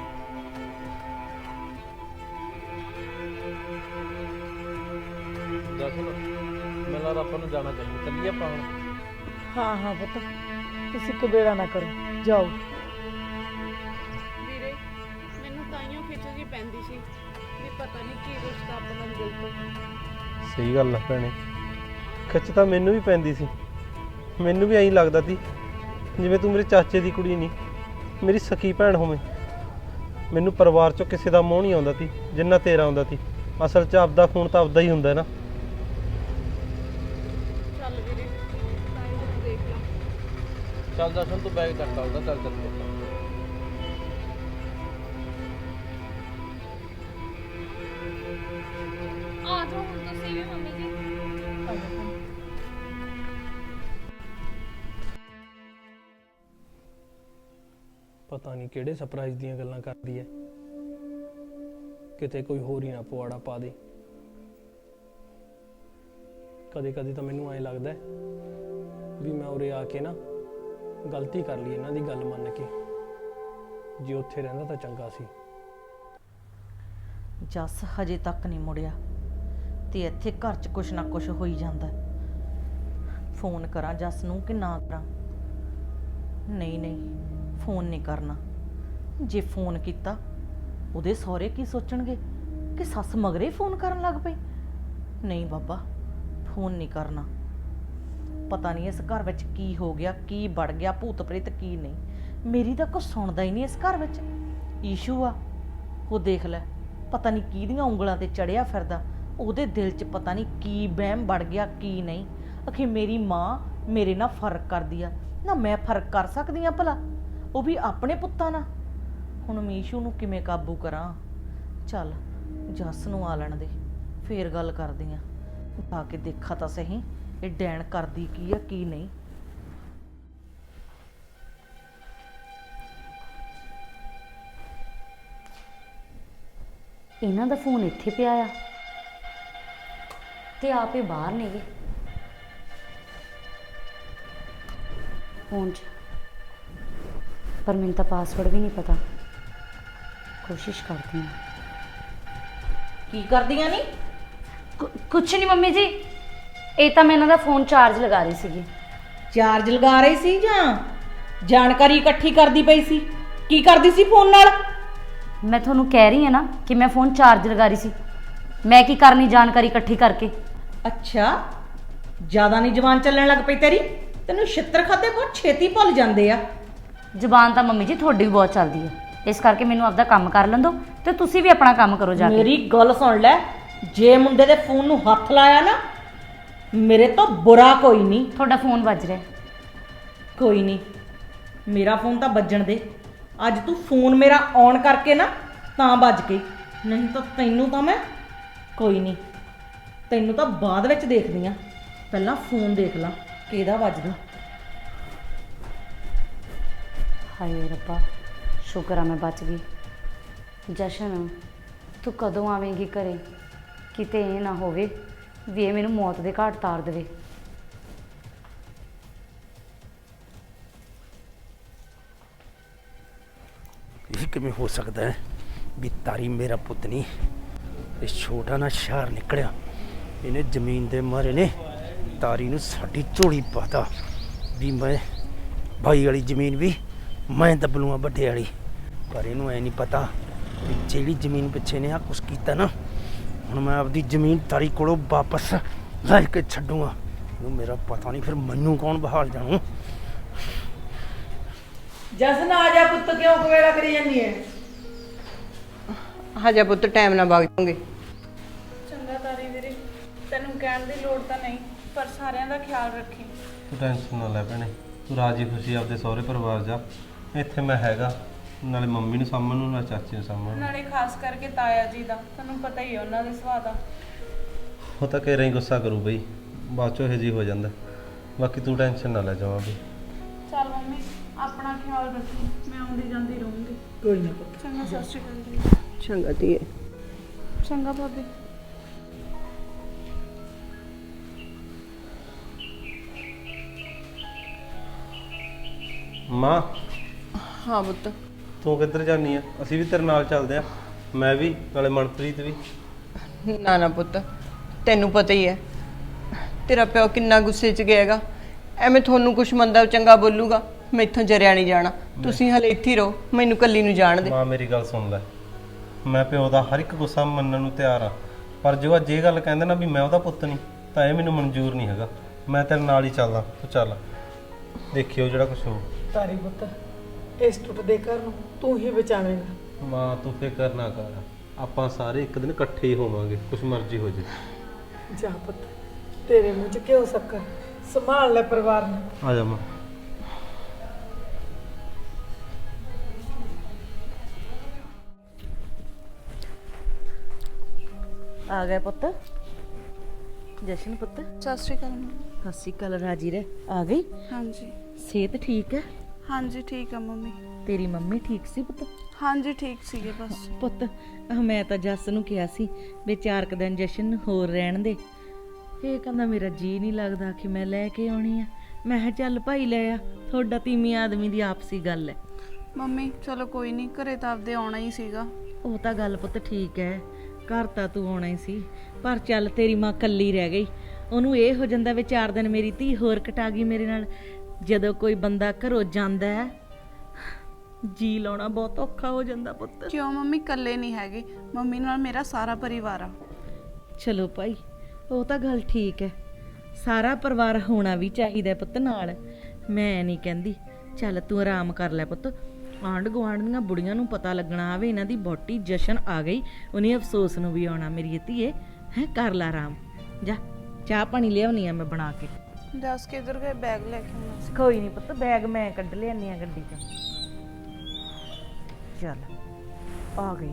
Speaker 6: ਮੈਨੂੰ ਲੱਗਦਾ ਆਪਾਂ ਨੂੰ ਜਾਣਾ ਚਾਹੀਦਾ। ਚੱਲੀਏ ਆਪਾਂ ਹੁਣ।
Speaker 8: ਹਾਂ ਹਾਂ ਪੁੱਤ, ਤੁਸੀਂ ਕਬੇੜਾ ਨਾ ਕਰੋ, ਜਾਓ।
Speaker 9: ਵੀਰੇ, ਮੈਨੂੰ ਤਾਈਓ ਖਿੱਚਦੀ ਪੈਂਦੀ ਸੀ ਵੀ ਪਤਾ ਨਹੀਂ ਕੀ ਰਿਸ਼ਤਾ ਆਪਣਾ ਦਿਲ ਤੋਂ।
Speaker 4: ਸਹੀ ਗੱਲ ਆ ਭੈਣੇ, ਖਿੱਚ ਤਾਂ ਮੈਨੂੰ ਵੀ ਪੈਂਦੀ ਸੀ। ਮੈਨੂੰ ਵੀ ਐਂ ਲੱਗਦਾ ਸੀ ਜਿਵੇਂ ਤੂੰ ਮੇਰੇ ਚਾਚੇ ਦੀ ਕੁੜੀ ਨਹੀਂ, ਮੇਰੀ ਸਕੀ ਭੈਣ ਹੋਵੇਂ। ਮੈਨੂੰ ਪਰਿਵਾਰ ਚੋਂ ਕਿਸੇ ਦਾ ਮੋਹ ਨਹੀਂ ਆਉਂਦਾ ਸੀ ਜਿੰਨਾ ਤੇਰਾ ਆਉਂਦਾ ਸੀ। ਅਸਲ 'ਚ ਆਪਦਾ ਖੂਨ ਤਾਂ ਆਪਦਾ ਹੀ ਹੁੰਦਾ ਨਾ।
Speaker 9: ਚੱਲ ਵੀਰੇ ਤਾਂ ਹੀ ਦੇਖ ਲਾ।
Speaker 6: ਚੱਲ ਦਰਸ਼ਨ ਤੂੰ ਬੈਗ ਚੱਕ ਆਉਂਦਾ, ਚੱਲ ਚੱਲ
Speaker 9: ਆ ਜਾਓ ਹੁਣ ਤੁਸੀਂ ਵੀ ਮੰਮੀ ਜੀ।
Speaker 7: ਪਤਾ ਨਹੀਂ ਕਿਹੜੇ ਸਰਪ੍ਰਾਈਜ਼ ਦੀਆਂ ਗੱਲਾਂ ਕਰਦੀ ਐ, ਕਿਤੇ ਕੋਈ ਹੋਰ ਹੀ ਨਾ ਪਵਾੜਾ ਪਾ ਦੇ। ਕਦੇ ਕਦੇ ਤਾਂ ਮੈਨੂੰ ਐਂ ਲੱਗਦਾ ਵੀ ਮੈਂ ਉਰੇ ਆ ਕੇ ਨਾ ਗਲਤੀ ਕਰ ਲਈ ਇਹਨਾਂ ਦੀ ਗੱਲ ਮੰਨ ਕੇ। ਜੇ ਉੱਥੇ ਰਹਿੰਦਾ ਤਾਂ ਚੰਗਾ ਸੀ।
Speaker 5: ਜੱਸ ਹਜੇ ਤੱਕ ਨਹੀਂ ਮੁੜਿਆ ਤੇ ਇੱਥੇ ਘਰ 'ਚ ਕੁਛ ਨਾ ਕੁਛ ਹੋਈ ਜਾਂਦਾ। ਫੋਨ ਕਰਾਂ ਜੱਸ ਨੂੰ ਕਿ ਨਾ ਕਰਾਂ? ਨਹੀਂ ਨਹੀਂ ਫੋਨ ਨਹੀਂ ਕਰਨਾ। ਜੇ ਫੋਨ ਕੀਤਾ ਉਹਦੇ ਸਹੁਰੇ ਕੀ ਸੋਚਣਗੇ ਕਿ ਸੱਸ ਮਗਰੇ ਫੋਨ ਕਰਨ ਲੱਗ ਪਈ। ਨਹੀਂ ਬਾਬਾ ਫੋਨ ਨਹੀਂ ਕਰਨਾ। ਪਤਾ ਨਹੀਂ ਇਸ ਘਰ ਵਿੱਚ ਕੀ ਹੋ ਗਿਆ, ਕੀ ਵੜ ਗਿਆ, ਭੂਤ ਪ੍ਰੇਤ ਕੀ ਨਹੀਂ। ਮੇਰੀ ਤਾਂ ਕੁਛ ਸੁਣਦਾ ਹੀ ਨਹੀਂ ਇਸ ਘਰ ਵਿੱਚ। ਈਸ਼ੂ ਆ ਉਹ ਦੇਖ ਲੈ, ਪਤਾ ਨਹੀਂ ਕਿਹਦੀਆਂ ਉਂਗਲਾਂ ਤੇ ਚੜਿਆ ਫਿਰਦਾ। ਉਹਦੇ ਦਿਲ 'ਚ ਪਤਾ ਨਹੀਂ ਕੀ ਵਹਿਮ ਵੜ ਗਿਆ ਕੀ ਨਹੀਂ। ਅਖੇ ਮੇਰੀ ਮਾਂ ਮੇਰੇ ਨਾਲ ਫਰਕ ਕਰਦੀ ਆ ਨਾ, ਮੈਂ ਫਰਕ ਕਰ ਸਕਦੀ ਆ ਭਲਾ? ਉਹ ਵੀ ਆਪਣੇ ਪੁੱਤਾਂ ਨਾਲ। ਹੁਣ ਮੀਸ਼ੂ ਨੂੰ ਕਿਵੇਂ ਕਾਬੂ ਕਰਾਂ? ਚੱਲ ਜੱਸ ਨੂੰ ਆ ਲੈਣ ਦੇ, ਫੇਰ ਗੱਲ ਕਰਦੀ ਆ। ਆ ਕੇ ਦੇਖਾ ਤਾਂ ਸਹੀ ਇਹ ਡੈਣ ਕਰਦੀ ਕੀ ਆ ਕੀ ਨਹੀਂ।
Speaker 3: ਇਹਨਾਂ ਦਾ ਫੋਨ ਇੱਥੇ ਪਿਆ ਆ ਤੇ ਆਪੇ ਬਾਹਰ ਨੇਗੇ ਫੋਨ 'ਚ, ਪਰ ਮੈਨੂੰ ਤਾਂ ਪਾਸਵਰਡ ਵੀ ਨਹੀਂ ਪਤਾ। ਕੋਸ਼ਿਸ਼ ਕਰਦੀ ਹਾਂ।
Speaker 5: ਕੀ ਕਰਦੀਆਂ ਨੀ?
Speaker 3: ਕੁ- ਕੁਛ ਨਹੀਂ ਮੰਮੀ ਜੀ, ਇਹ ਤਾਂ ਮੈਂ ਇਹਨਾਂ ਦਾ ਫੋਨ ਚਾਰਜ ਲਗਾ ਰਹੀ ਸੀਗੀ।
Speaker 5: ਚਾਰਜ ਲਗਾ ਰਹੀ ਸੀ ਜਾਂ ਜਾਣਕਾਰੀ ਇਕੱਠੀ ਕਰਦੀ ਪਈ ਸੀ? ਕੀ ਕਰਦੀ ਸੀ ਫੋਨ ਨਾਲ?
Speaker 3: ਮੈਂ ਤੁਹਾਨੂੰ ਕਹਿ ਰਹੀ ਹਾਂ ਨਾ ਕਿ ਮੈਂ ਫੋਨ ਚਾਰਜ ਲਗਾ ਰਹੀ ਸੀ। ਮੈਂ ਕੀ ਕਰਨੀ ਜਾਣਕਾਰੀ ਇਕੱਠੀ ਕਰਕੇ?
Speaker 5: ਅੱਛਾ ਜ਼ਿਆਦਾ ਨਹੀਂ ਜ਼ਬਾਨ ਚੱਲਣ ਲੱਗ ਪਈ ਤੇਰੀ? ਤੈਨੂੰ ਛਿੱਤਰ ਖਾਦੇ ਬਹੁਤ ਛੇਤੀ ਭੁੱਲ ਜਾਂਦੇ ਆ।
Speaker 3: ਜ਼ੁਬਾਨ ਤਾਂ ਮੰਮੀ ਜੀ ਤੁਹਾਡੀ ਵੀ ਬਹੁਤ ਚੱਲਦੀ ਹੈ, ਇਸ ਕਰਕੇ ਮੈਨੂੰ ਆਪਦਾ ਕੰਮ ਕਰ ਲੈਣ ਦਿਓ ਤੇ ਤੁਸੀਂ ਵੀ ਆਪਣਾ ਕੰਮ ਕਰੋ ਜਾ ਕੇ।
Speaker 5: ਮੇਰੀ ਗੱਲ ਸੁਣ ਲੈ, ਜੇ ਮੁੰਡੇ ਦੇ ਫੋਨ ਨੂੰ ਹੱਥ ਲਾਇਆ ਨਾ ਮੇਰੇ ਤੋਂ ਬੁਰਾ ਕੋਈ ਨਹੀਂ।
Speaker 3: ਤੁਹਾਡਾ ਫੋਨ ਵੱਜ ਰਿਹਾ।
Speaker 5: ਕੋਈ ਨਹੀਂ, ਮੇਰਾ ਫੋਨ ਤਾਂ ਵੱਜਣ ਦੇ। ਅੱਜ ਤੂੰ ਫੋਨ ਮੇਰਾ ਔਨ ਕਰਕੇ ਨਾ ਤਾਂ ਵੱਜ ਗਈ, ਨਹੀਂ ਤਾਂ ਤੈਨੂੰ ਤਾਂ ਮੈਂ ਕੋਈ ਨਹੀਂ, ਤੈਨੂੰ ਤਾਂ ਬਾਅਦ ਵਿੱਚ ਦੇਖਦੀ ਆ। ਪਹਿਲਾਂ ਫੋਨ ਦੇਖ ਲਾ ਕਿਹਦਾ ਵੱਜਦਾ।
Speaker 3: ਹਾਏ ਰੱਬਾ, ਸ਼ੁਕਰ ਆ ਮੈਂ ਬਚ ਗਈ। ਜਸ਼ਨ ਤੂੰ ਕਦੋਂ ਆਵੇਂਗੀ ਘਰੇ? ਕਿਤੇ ਇਹ ਨਾ ਹੋਵੇ ਵੀ ਇਹ ਮੈਨੂੰ ਮੌਤ ਦੇ ਘਾਟ ਤਾਰ ਦੇਵੇ।
Speaker 7: ਇਹ ਕਿਵੇਂ ਹੋ ਸਕਦਾ ਹੈ ਵੀ ਤਾਰੀ ਮੇਰਾ ਪੁੱਤ ਨਹੀਂ, ਇਹ ਛੋਟਾ ਨਾ ਸ਼ਹਿਰ ਨਿਕਲਿਆ। ਇਹਨੇ ਜ਼ਮੀਨ ਦੇ ਮਾਰੇ ਨੇ ਤਾਰੀ ਨੂੰ ਸਾਡੀ ਝੋਲੀ ਪਾਤਾ ਵੀ ਮੈਂ ਭਾਈ ਵਾਲੀ ਜ਼ਮੀਨ ਵੀ ਮੈਂ ਦੱਬ ਲੂੰਗਾ ਵੱਡੇ ਵਾਲੀ। ਪਰ ਇਹਨੂੰ ਐ ਨਹੀਂ ਪਤਾ ਵੀ ਜਿਹੜੀ ਜ਼ਮੀਨ ਪਿੱਛੇ ਨੇ ਆ ਕੁਛ ਕੀਤਾ ਨਾ, ਹੁਣ ਮੈਂ ਆਪਦੀ ਜ਼ਮੀਨ ਤਾਰੀ ਕੋਲੋਂ ਵਾਪਸ ਲੈ ਕੇ ਛੱਡੂਗਾ। ਇਹਨੂੰ ਮੇਰਾ ਪਤਾ ਨਹੀਂ ਫਿਰ ਮੈਨੂੰ ਕੌਣ ਬਹਾਲ ਜਾਣੂ।
Speaker 8: ਜਸਨ ਆ ਜਾ ਪੁੱਤ, ਕਿਉਂ ਕਵੇਲਾ ਕਰੀ ਜਾਂਦੀ ਹੈ?
Speaker 1: ਹਜੇ ਪੁੱਤ ਟਾਈਮ ਨਾਲ ਵਗ ਜਾਓਗੇ।
Speaker 9: ਚੰਗਾ ਤਾਰੀ ਵੀਰੇ, ਤੈਨੂੰ ਕਹਿਣ ਦੀ ਲੋੜ ਤਾਂ ਨਹੀਂ, ਪਰ ਸਾਰਿਆਂ ਦਾ ਖਿਆਲ ਰੱਖੀ।
Speaker 4: ਤੂੰ ਟੈਨਸ਼ਨ ਨਾ ਲੈ ਭੈਣੇ, ਤੂੰ ਰਾਜੀ ਖੁਸ਼ੀ ਆਪਦੇ ਸਹੁਰੇ ਪਰਿਵਾਰ ਜਾ। ਇੱਥੇ ਮੈਂ ਹੈਗਾ, ਨਾਲੇ ਮੰਮੀ ਨੂੰ ਸਾਂਭਣ ਨੂੰ, ਨਾਲੇ ਚਾਚੀ ਨੂੰ ਸਾਂਭਣ ਨੂੰ।
Speaker 9: ਨਾਲੇ ਖਾਸ ਕਰਕੇ ਤਾਇਆ ਜੀ ਦਾ, ਤੁਹਾਨੂੰ ਪਤਾ ਹੀ ਹੈ ਉਹਨਾਂ ਦੇ ਸੁਭਾਅ ਦਾ।
Speaker 4: ਉਹ ਤਾਂ ਕਹਿ ਰਹੀ ਗੁੱਸਾ ਕਰੂ ਬਈ, ਬਾਅਦ ਚੋਂ ਇਹ ਜੀ ਹੋ ਜਾਂਦਾ। ਬਾਕੀ ਤੂੰ ਟੈਨਸ਼ਨ ਨਾ ਲੈ ਜਾਵਾਂ ਵੀ।
Speaker 9: ਚੱਲ ਮੰਮੀ ਆਪਣਾ ਖਿਆਲ ਰੱਖੀ, ਮੈਂ ਆਉਂਦੀ ਜਾਂਦੀ ਰਹੂੰਗੀ।
Speaker 8: ਕੋਈ ਨਾ ਪੁੱਤ।
Speaker 9: ਚੰਗਾ, ਸਤਿ ਸ਼੍ਰੀ ਅਕਾਲ ਜੀ।
Speaker 1: ਚੰਗਾ ਧੀਏ।
Speaker 9: ਚੰਗਾ ਭਾਬੀ।
Speaker 4: ਮਾਂ
Speaker 1: ਹਾਂ ਪੁੱਤ।
Speaker 4: ਤੂੰ ਕਿੱਧਰ ਜਾਨੀ ਆ? ਅਸੀਂ ਵੀ ਤੇਰੇ ਨਾਲ ਚੱਲਦੇ ਆ, ਮੈਂ ਵੀ ਨਾਲੇ ਮਨਪ੍ਰੀਤ ਵੀ।
Speaker 1: ਨਾ ਨਾ ਪੁੱਤ, ਤੈਨੂੰ ਪਤਾ ਹੀ ਹੈ ਤੇਰਾ ਪਿਓ ਕਿੰਨਾ ਗੁੱਸੇ 'ਚ ਗਿਆ ਹੈਗਾ। ਐਵੇਂ ਤੁਹਾਨੂੰ ਕੁਛ ਮੰਦਾ ਚੰਗਾ ਬੋਲੂਗਾ, ਮੈਥੋਂ ਜਰਿਆ ਨਹੀਂ ਜਾਣਾ। ਤੁਸੀਂ ਹਲੇ ਇੱਥੇ ਹੀ ਰਹੋ, ਮੈਨੂੰ ਕੱਲੀ ਨੂੰ ਜਾਣ ਦੇ।
Speaker 4: ਮਾਂ ਮੇਰੀ ਗੱਲ ਸੁਣ ਲੈ, ਮੈਂ ਪਿਓ ਦਾ ਹਰ ਇੱਕ ਗੁੱਸਾ ਮੰਨਣ ਨੂੰ ਤਿਆਰ ਆ, ਪਰ ਜੋ ਅੱਜ ਇਹ ਗੱਲ ਕਹਿੰਦੇ ਨਾ ਵੀ ਮੈਂ ਉਹਦਾ ਪੁੱਤ ਨਹੀਂ, ਤਾਂ ਇਹ ਮੈਨੂੰ ਮਨਜ਼ੂਰ ਨਹੀਂ ਹੈਗਾ। ਮੈਂ ਤੇਰੇ ਨਾਲ ਹੀ ਚੱਲਦਾ, ਤੂੰ ਚੱਲ, ਦੇਖਿਓ ਜਿਹੜਾ ਕੁਛ ਹੋਊ।
Speaker 8: ਤਾਰੀ ਪੁੱਤ ਇਸ ਟੁੱਟਦੇ ਘਰ ਨੂੰ ਤੂੰ ਹੀ ਬਚਾਵੇਂਗਾ।
Speaker 4: ਮਾਂ ਤੂੰ ਫਿਕਰ ਨਾ ਕਰ, ਆਪਾਂ ਸਾਰੇ ਇੱਕ ਦਿਨ ਇਕੱਠੇ ਹੀ ਹੋਵਾਂਗੇ, ਕੁਛ ਮਰਜ਼ੀ ਹੋ ਜੇ।
Speaker 8: ਜਾ ਪੁੱਤ, ਤੇਰੇ ਮੂੰਹ 'ਚ ਕਿਉਂ ਸ਼ੱਕਰ, ਸੰਭਾਲ ਲੈ ਪਰਿਵਾਰ ਨੂੰ।
Speaker 4: ਆ ਜਾ ਮਾਂ।
Speaker 5: ਆ ਗਏ ਪੁੱਤ। ਜਸ਼ਨ ਪੁੱਤ,
Speaker 9: ਸਤਿ ਸ਼੍ਰੀ ਅਕਾਲ ਮੰਮੀ।
Speaker 5: ਸਤਿ ਸ਼੍ਰੀ ਅਕਾਲ। ਰਾਜੀ ਰਹਿ। ਆ ਗਈ?
Speaker 9: ਹਾਂਜੀ
Speaker 5: ਸਿਹਤ ਠੀਕ ਹੈ?
Speaker 9: ਹਾਂਜੀ ਠੀਕ ਆ ਮੰਮੀ।
Speaker 5: ਤੇਰੀ ਮੰਮੀ ਠੀਕ ਸੀ ਪੁੱਤ?
Speaker 9: ਹਾਂਜੀ ਠੀਕ ਸੀਗੇ ਬਸ।
Speaker 5: ਪੁੱਤ ਮੈਂ ਤਾਂ ਜੱਸ ਨੂੰ ਕਿਹਾ ਸੀ ਵੀ ਚਾਰ ਕੁ ਦਿਨ ਜਸ਼ਨ ਨੂੰ ਹੋਰ ਰਹਿਣ ਦੇ। ਇਹ ਕਹਿੰਦਾ ਮੇਰਾ ਜੀ ਨਹੀਂ ਲੱਗਦਾ ਕਿ ਮੈਂ ਲੈ ਕੇ ਆਉਣੀ ਆ। ਮੈਂ ਕਿਹਾ ਚੱਲ ਭਾਈ ਲੈ ਆ, ਤੁਹਾਡਾ ਤੀਵੀਂ ਆਦਮੀ ਦੀ ਆਪਸੀ ਗੱਲ ਹੈ।
Speaker 9: ਮੰਮੀ ਚਲੋ ਕੋਈ ਨਹੀਂ, ਘਰੇ ਤਾਂ ਆਪਦੇ ਆਉਣਾ ਹੀ ਸੀਗਾ।
Speaker 5: ਉਹ ਤਾਂ ਗੱਲ ਪੁੱਤ ਠੀਕ ਹੈ, ਘਰ ਤਾਂ ਤੂੰ ਆਉਣਾ ਹੀ ਸੀ, ਪਰ ਚੱਲ ਤੇਰੀ ਮਾਂ ਕੱਲੀ ਰਹਿ ਗਈ। ਉਹਨੂੰ ਇਹ ਹੋ ਜਾਂਦਾ ਵੀ ਚਾਰ ਦਿਨ ਮੇਰੀ ਧੀ ਹੋਰ ਕਟਾ ਗਈ ਮੇਰੇ ਨਾਲ। ਜਦੋਂ ਕੋਈ ਬੰਦਾ ਘਰੋਂ ਜਾਂਦਾ ਹੈ, ਜੀ ਲਾਉਣਾ ਬਹੁਤ ਔਖਾ ਹੋ ਜਾਂਦਾ ਪੁੱਤ।
Speaker 9: ਕਿਉਂ ਮੰਮੀ, ਇਕੱਲੇ ਨਹੀਂ ਹੈਗੇ, ਮੰਮੀ ਨਾਲ ਮੇਰਾ ਸਾਰਾ ਪਰਿਵਾਰ ਆ।
Speaker 5: ਚਲੋ ਭਾਈ, ਉਹ ਤਾਂ ਗੱਲ ਠੀਕ ਹੈ, ਸਾਰਾ ਪਰਿਵਾਰ ਹੋਣਾ ਵੀ ਚਾਹੀਦਾ ਪੁੱਤ ਨਾਲ। ਮੈਂ ਨਹੀਂ ਕਹਿੰਦੀ, ਚੱਲ ਤੂੰ ਆਰਾਮ ਕਰ ਲੈ ਪੁੱਤ। ਆਂਢ ਗੁਆਂਢ ਦੀਆਂ ਬੁੜੀਆਂ ਨੂੰ ਪਤਾ ਲੱਗਣਾ ਆਵੇ ਇਹਨਾਂ ਦੀ ਬੋਟੀ ਜਸ਼ਨ ਆ ਗਈ, ਉਹਨੇ ਅਫਸੋਸ ਨੂੰ ਵੀ ਆਉਣਾ। ਮੇਰੀ ਧੀਏ ਹੈ, ਕਰ ਲੈ ਆਰਾਮ। ਜਾ ਚਾਹ ਪਾਣੀ ਲਿਆਉਣੀ ਆ ਮੈਂ ਬਣਾ ਕੇ।
Speaker 9: ਦੱਸ ਕਿੱਧਰ ਗਏ? ਬੈਗ ਲੈ ਕੇ ਆਉਣਾ ਸੀ।
Speaker 5: ਕੋਈ ਨਹੀਂ ਪੁੱਤ, ਬੈਗ ਮੈਂ ਕੱਢ ਲਿਆਨੀ ਆ ਗੱਡੀ 'ਚ। ਚੱਲ ਆ ਗਈ।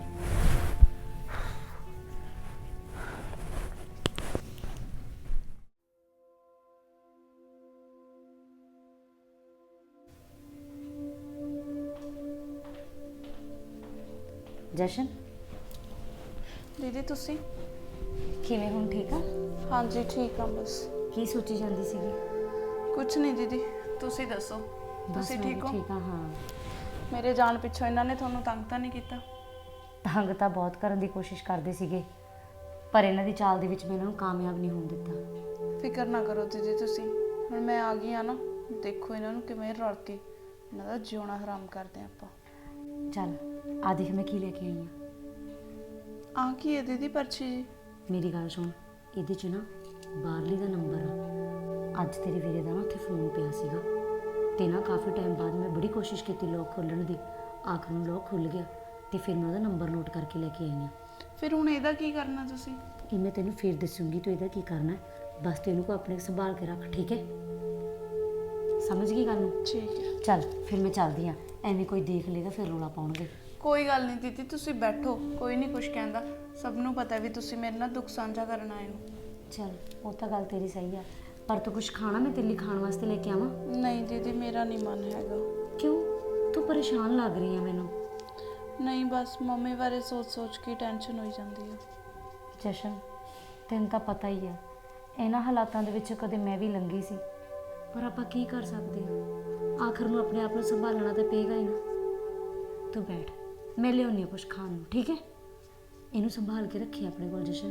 Speaker 3: ਜਸ਼ਨ
Speaker 9: ਦੀਦੀ ਤੁਸੀਂ?
Speaker 3: ਕਿਵੇਂ ਹੁਣ ਠੀਕ ਆ?
Speaker 9: ਹਾਂਜੀ ਠੀਕ ਆ ਬਸ।
Speaker 3: ਕੀ ਸੋਚੀ ਜਾਂਦੀ ਸੀਗੀ?
Speaker 9: ਕੁਝ ਨਹੀਂ ਦੀਦੀ, ਤੁਸੀਂ ਦੱਸੋ,
Speaker 3: ਬਸ
Speaker 9: ਤੁਸੀਂ
Speaker 3: ਮੈਂ ਵੀ
Speaker 9: ਠੀਕ ਹੋ?
Speaker 3: ਠੀਕ ਆ। ਹਾਂ,
Speaker 9: ਮੇਰੇ ਜਾਣ ਪਿੱਛੋਂ ਇਹਨਾਂ ਨੇ ਤੁਹਾਨੂੰ ਤੰਗ ਤਾਂ ਨਹੀਂ ਕੀਤਾ?
Speaker 3: ਤੰਗ ਤਾਂ ਬਹੁਤ ਕਰਨ ਦੀ ਕੋਸ਼ਿਸ਼ ਕਰਦੇ ਸੀਗੇ, ਪਰ ਇਹਨਾਂ ਦੀ ਚਾਲ ਦੇ ਵਿੱਚ ਮੈਂ ਇਹਨਾਂ ਨੂੰ ਕਾਮਯਾਬ ਨਹੀਂ ਹੋਣ ਦਿੱਤਾ।
Speaker 9: ਫਿਕਰ ਨਾ ਕਰੋ ਦੀਦੀ ਤੁਸੀਂ, ਹੁਣ ਮੈਂ ਆ ਗਈ ਆ ਨਾ, ਦੇਖੋ ਇਹਨਾਂ ਨੂੰ ਕਿਵੇਂ ਰਲ ਕੇ ਇਹਨਾਂ ਦਾ ਜਿਉਣਾ ਹਰਾਮ ਕਰਦੇ ਆ ਆਪਾਂ।
Speaker 3: ਚੱਲ ਆ ਦੇਖ ਮੈਂ ਕੀ ਲੈ ਕੇ ਆਈ ਆ।
Speaker 9: ਆ ਕੀ ਹੈ ਦੀਦੀ ਪਰਚੀ ਜੀ?
Speaker 3: ਮੇਰੀ ਗੱਲ ਸੁਣ, ਇਹਦੇ 'ਚ ਨਾ ਬਾਹਰਲੀ ਦਾ ਨੰਬਰ ਆ। ਅੱਜ ਤੇਰੇ ਵੀਰੇ ਦਾ ਨਾ ਉੱਥੇ ਫੋਨ ਪਿਆ ਸੀਗਾ, ਤੇ ਨਾ ਕਾਫੀ ਟਾਈਮ ਬਾਅਦ ਮੈਂ ਬੜੀ ਕੋਸ਼ਿਸ਼ ਕੀਤੀ ਲੋਕ ਖੋਲ੍ਹਣ ਦੀ, ਆਖਰ ਨੂੰ ਲੋਕ ਖੁੱਲ੍ਹ ਗਿਆ, ਤੇ ਫਿਰ ਮੈਂ ਉਹਦਾ ਨੰਬਰ ਨੋਟ ਕਰਕੇ ਲੈ ਕੇ ਆਈ ਆ।
Speaker 9: ਫਿਰ ਹੁਣ ਇਹਦਾ ਕੀ ਕਰਨਾ ਤੁਸੀਂ?
Speaker 3: ਇਹ ਮੈਂ ਤੈਨੂੰ ਫਿਰ ਦੱਸੂਗੀ ਤੂੰ ਇਹਦਾ ਕੀ ਕਰਨਾ ਹੈ, ਬਸ ਤੂੰ ਇਹਨੂੰ ਕੋ ਆਪਣੇ ਸੰਭਾਲ ਕੇ ਰੱਖ, ਠੀਕ ਹੈ? ਸਮਝ ਗਈ ਗੱਲ ਨੂੰ?
Speaker 9: ਠੀਕ ਹੈ।
Speaker 3: ਚੱਲ ਫਿਰ ਮੈਂ ਚੱਲਦੀ ਆ, ਐਵੇਂ ਕੋਈ ਦੇਖ ਲੇਗਾ ਫਿਰ ਰੌਲਾ ਪਾਉਣਗੇ।
Speaker 9: ਕੋਈ ਗੱਲ ਨਹੀਂ ਦੀਦੀ, ਤੁਸੀਂ ਬੈਠੋ, ਕੋਈ ਨਹੀਂ ਕੁਝ ਕਹਿੰਦਾ। ਸਭ ਨੂੰ ਪਤਾ ਵੀ ਤੁਸੀਂ ਮੇਰੇ ਨਾਲ ਦੁੱਖ ਸਾਂਝਾ ਕਰਨ ਆਏ ਹੋ।
Speaker 3: ਚੱਲ ਉਹ ਤਾਂ ਗੱਲ ਤੇਰੀ ਸਹੀ ਆ, ਪਰ ਤੂੰ ਕੁਝ ਖਾਣਾ ਮੈਂ ਤੇਰੇ ਲਈ ਖਾਣ ਵਾਸਤੇ ਲੈ ਕੇ ਆਵਾਂ?
Speaker 9: ਨਹੀਂ ਦੀਦੀ, ਮੇਰਾ ਨਹੀਂ ਮਨ ਹੈਗਾ।
Speaker 3: ਕਿਉਂ? ਤੂੰ ਪਰੇਸ਼ਾਨ ਲੱਗ ਰਹੀ ਆ ਮੈਨੂੰ।
Speaker 9: ਨਹੀਂ ਬਸ ਮੰਮੀ ਬਾਰੇ ਸੋਚ ਸੋਚ ਕੇ ਟੈਨਸ਼ਨ ਹੋਈ ਜਾਂਦੀ ਹੈ।
Speaker 3: ਜਸ਼ਨ, ਤੈਨੂੰ ਤਾਂ ਪਤਾ ਹੀ ਆ, ਇਹਨਾਂ ਹਾਲਾਤਾਂ ਦੇ ਵਿੱਚ ਕਦੇ ਮੈਂ ਵੀ ਲੰਘੀ ਸੀ, ਪਰ ਆਪਾਂ ਕੀ ਕਰ ਸਕਦੇ ਹਾਂ, ਆਖਰ ਨੂੰ ਆਪਣੇ ਆਪ ਨੂੰ ਸੰਭਾਲਣਾ ਤਾਂ ਪਏਗਾ ਹੀ ਨਾ। ਤੂੰ ਬੈਠ, ਮੈਂ ਲਿਆਉਂਦੀ ਹਾਂ ਕੁਛ ਖਾਣ ਨੂੰ, ਠੀਕ ਹੈ? ਇਹਨੂੰ ਸੰਭਾਲ ਕੇ ਰੱਖੀ ਆਪਣੇ ਕੋਲ ਜਸ਼ਨ।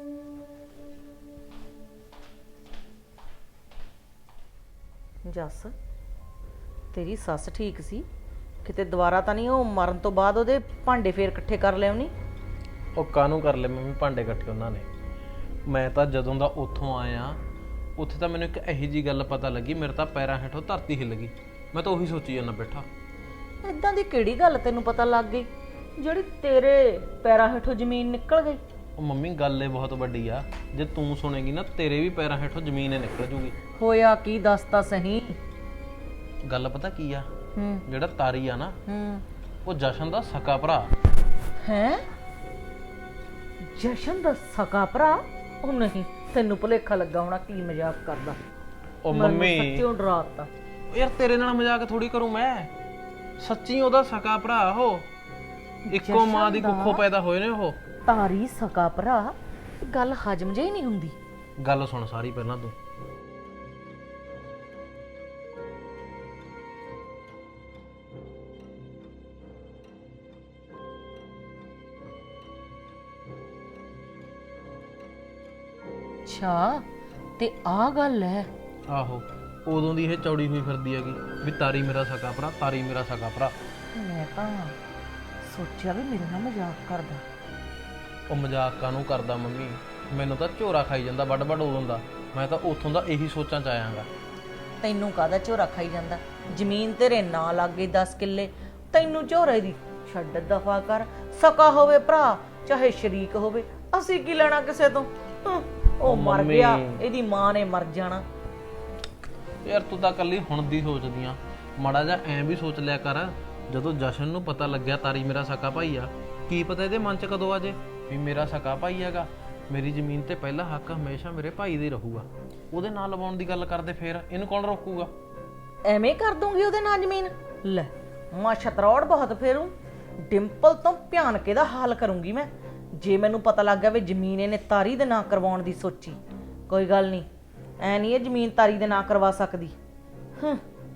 Speaker 5: ਜੱਸ, ਤੇਰੀ ਸੱਸ ਠੀਕ ਸੀ? ਕਿਤੇ ਦੁਬਾਰਾ ਤਾਂ ਨਹੀਂ ਉਹ ਮਰਨ ਤੋਂ ਬਾਅਦ ਉਹਦੇ ਭਾਂਡੇ ਫੇਰ ਇਕੱਠੇ ਕਰ ਲਿਆਉਣੀ?
Speaker 6: ਉਹ ਕਾਹਨੂੰ ਕਰ ਲੈ ਮੰਮੀ ਭਾਂਡੇ ਇਕੱਠੇ ਉਹਨਾਂ ਨੇ। ਮੈਂ ਤਾਂ ਜਦੋਂ ਦਾ ਉੱਥੋਂ ਆਇਆ, ਉੱਥੇ ਤਾਂ ਮੈਨੂੰ ਇੱਕ ਇਹੋ ਜਿਹੀ ਗੱਲ ਪਤਾ ਲੱਗੀ, ਮੇਰੇ ਤਾਂ ਪੈਰਾਂ ਹੇਠੋਂ ਧਰਤੀ ਹਿੱਲ ਗਈ। ਮੈਂ ਤਾਂ ਉਹੀ ਸੋਚੀ ਜਾਂਦਾ ਬੈਠਾ।
Speaker 5: ਇਦਾਂ ਦੀ ਕਿਹੜੀ ਗੱਲ ਤੈਨੂੰ ਪਤਾ ਲੱਗ ਗਈ ਜਿਹੜੀ ਤੇਰੇ ਪੈਰਾਂ ਹੇਠੋਂ ਜ਼ਮੀਨ ਨਿਕਲ ਗਈ?
Speaker 6: ਉਹ ਮੰਮੀ ਗੱਲ ਇਹ ਬਹੁਤ ਵੱਡੀ ਆ, ਜੇ ਤੂੰ ਸੁਣੇਗੀ ਨਾ ਤੇਰੇ ਵੀ ਪੈਰਾਂ ਹੇਠੋਂ ਜ਼ਮੀਨ ਹੀ ਨਿਕਲ ਜੂਗੀ।
Speaker 5: ਹੋਇਆ ਕੀ, ਦੱਸ ਤਾਂ ਸਹੀ।
Speaker 6: ਗੱਲ ਪਤਾ ਕੀ ਆ?
Speaker 5: ਹੂੰ
Speaker 6: ਜਿਹੜਾ ਤਾਰੀ ਆ ਨਾ,
Speaker 5: ਹੂੰ
Speaker 6: ਉਹ ਜਸ਼ਨ ਦਾ ਸਕਾ ਭਰਾ।
Speaker 5: ਹੈ? ਜਸ਼ਨ ਦਾ ਸਕਾ ਭਰਾ? ਉਹ ਨਹੀਂ, ਤੈਨੂੰ ਭੁਲੇਖਾ ਲੱਗਾ ਹੋਣਾ, ਕੀ ਮਜ਼ਾਕ ਕਰਦਾ।
Speaker 6: ਉਹ
Speaker 5: ਮੈਨੂੰ
Speaker 6: ਮੰਮੀ
Speaker 5: ਸੱਚਿਓ ਡਰਾਤਾ।
Speaker 6: ਯਾਰ ਤੇਰੇ ਨਾਲ ਮਜ਼ਾਕ ਥੋੜੀ ਕਰੂੰ ਮੈਂ, ਸੱਚੀ ਉਹਦਾ ਸਕਾ ਭਰਾ ਉਹ, ਇੱਕੋ ਮਾਂ ਦੀ
Speaker 5: ਜਸ਼ਨ ਦਾ
Speaker 6: ਕੁੱਖੋਂ ਪੈਦਾ ਹੋਏ ਨੇ ਉਹ।
Speaker 5: ਤਾਰੀ ਸਕਾ ਭਰਾ? ਗੱਲ ਹਜਮ ਜਿਹੀ ਨਹੀਂ ਹੁੰਦੀ।
Speaker 6: ਗੱਲ ਸੁਣ ਸਾਰੀ ਪਹਿਲਾਂ ਤੂੰ।
Speaker 5: ਅੱਛਾ, ਤੇ ਆਹ ਗੱਲ ਹੈ?
Speaker 6: ਆਹੋ, ਉਦੋਂ ਦੀ ਇਹ ਚੌੜੀ ਹੋਈ ਫਿਰਦੀ ਹੈਗੀ ਵੀ ਤਾਰੀ ਮੇਰਾ ਸਕਾ ਭਰਾ, ਤਾਰੀ ਮੇਰਾ ਸਕਾ ਭਰਾ।
Speaker 5: ਮੈਂ ਤਾਂ ਸੋਚਿਆ ਵੀ ਮੇਰੇ ਨਾਲ ਮਜ਼ਾਕ ਕਰਦਾ।
Speaker 6: ਉਹ ਮਜ਼ਾਕ ਕਾਹਨੂੰ ਕਰਦਾ ਮੰਮੀ, ਮੈਨੂੰ ਤਾਂ ਝੋਰਾ ਖਾਈ ਜਾਂਦਾ ਵੱਡ ਵੱਡ ਉਦੋਂ ਦਾ। ਮੈਂ ਤਾਂ ਉੱਥੋਂ ਦਾ ਇਹੀ ਸੋਚਾਂ ਚ ਆਇਆਂਗਾ।
Speaker 5: ਤੈਨੂੰ ਕਾਹਦਾ ਝੋਰਾ ਖਾਈ ਜਾਂਦਾ? ਜ਼ਮੀਨ ਤੇਰੇ ਨਾਂ ਲੱਗੇ ਦਸ ਕਿੱਲੇ, ਤੈਨੂੰ ਝੋਰੇ ਦੀ ਛੱਡ ਦਫਾ ਕਰ। ਸਕਾ ਹੋਵੇ ਭਰਾ ਚਾਹੇ ਸ਼ਰੀਕ ਹੋਵੇ, ਅਸੀਂ ਕੀ ਲੈਣਾ ਕਿਸੇ ਤੋਂ। ਹੰ, ਉਹ ਮਰ
Speaker 6: ਮੰਮੀ।
Speaker 5: ਗਿਆ, ਇਹਦੀ ਮਾਂ ਨੇ ਮਰ ਜਾਣਾ।
Speaker 6: ਯਾਰ ਤੂੰ ਤਾਂ ਕੱਲੀ ਹੁਣ ਦੀ ਸੋਚਦੀ ਆ, ਮਾੜਾ ਜਿਹਾ ਐਂ ਵੀ ਸੋਚ ਲਿਆ ਕਰ। ਜਦੋਂ ਜਸ਼ਨ ਨੂੰ ਪਤਾ ਲੱਗਿਆ ਤਾਰੀ ਮੇਰਾ ਸਕਾ ਭਾਈ ਆ, ਕੀ ਪਤਾ ਇਹਦੇ ਮਨ 'ਚ ਕਦੋਂ ਆ ਜੇ ਵੀ ਮੇਰਾ ਸਕਾ ਭਾਈ ਹੈਗਾ। ਮੇਰੀ ਜ਼ਮੀਨ ਤੇ ਪਹਿਲਾ ਹੱਕ ਹਮੇਸ਼ਾ ਮੇਰੇ ਭਾਈ ਦਾ ਹੀ ਰਹੂਗਾ। ਉਹਦੇ ਨਾਲ ਲਵਾਉਣ ਦੀ ਗੱਲ ਕਰਦੇ ਫੇਰ ਇਹਨੂੰ ਕੌਣ ਰੋਕੂਗਾ?
Speaker 5: ਐਵੇਂ ਕਰ ਦੂੰਗੀ ਉਹਦੇ ਨਾਲ ਜ਼ਮੀਨ? ਲੈ ਮਾਂ ਛਤਰੌੜ ਬਹੁਤ ਫੇਰੂ, ਡਿੰਪਲ ਤੋਂ ਭਿਆਨਕੇ ਦਾ ਹਾਲ ਕਰੂੰਗੀ ਮੈਂ। ਜੇ ਮੈਨੂੰ ਪਤਾ ਲੱਗ ਗਿਆ ਵੀ ਜ਼ਮੀਨ ਇਹਨੇ ਤਾਰੀ ਦੇ ਨਾਂ ਕਰਵਾਉਣ ਦੀ ਸੋਚੀ, ਕੋਈ ਗੱਲ ਨਹੀਂ, ਐ ਨਹੀਂ ਇਹ ਜ਼ਮੀਨ ਤਾਰੀ ਦੇ ਨਾਂ ਕਰਵਾ ਸਕਦੀ। ਹੂੰ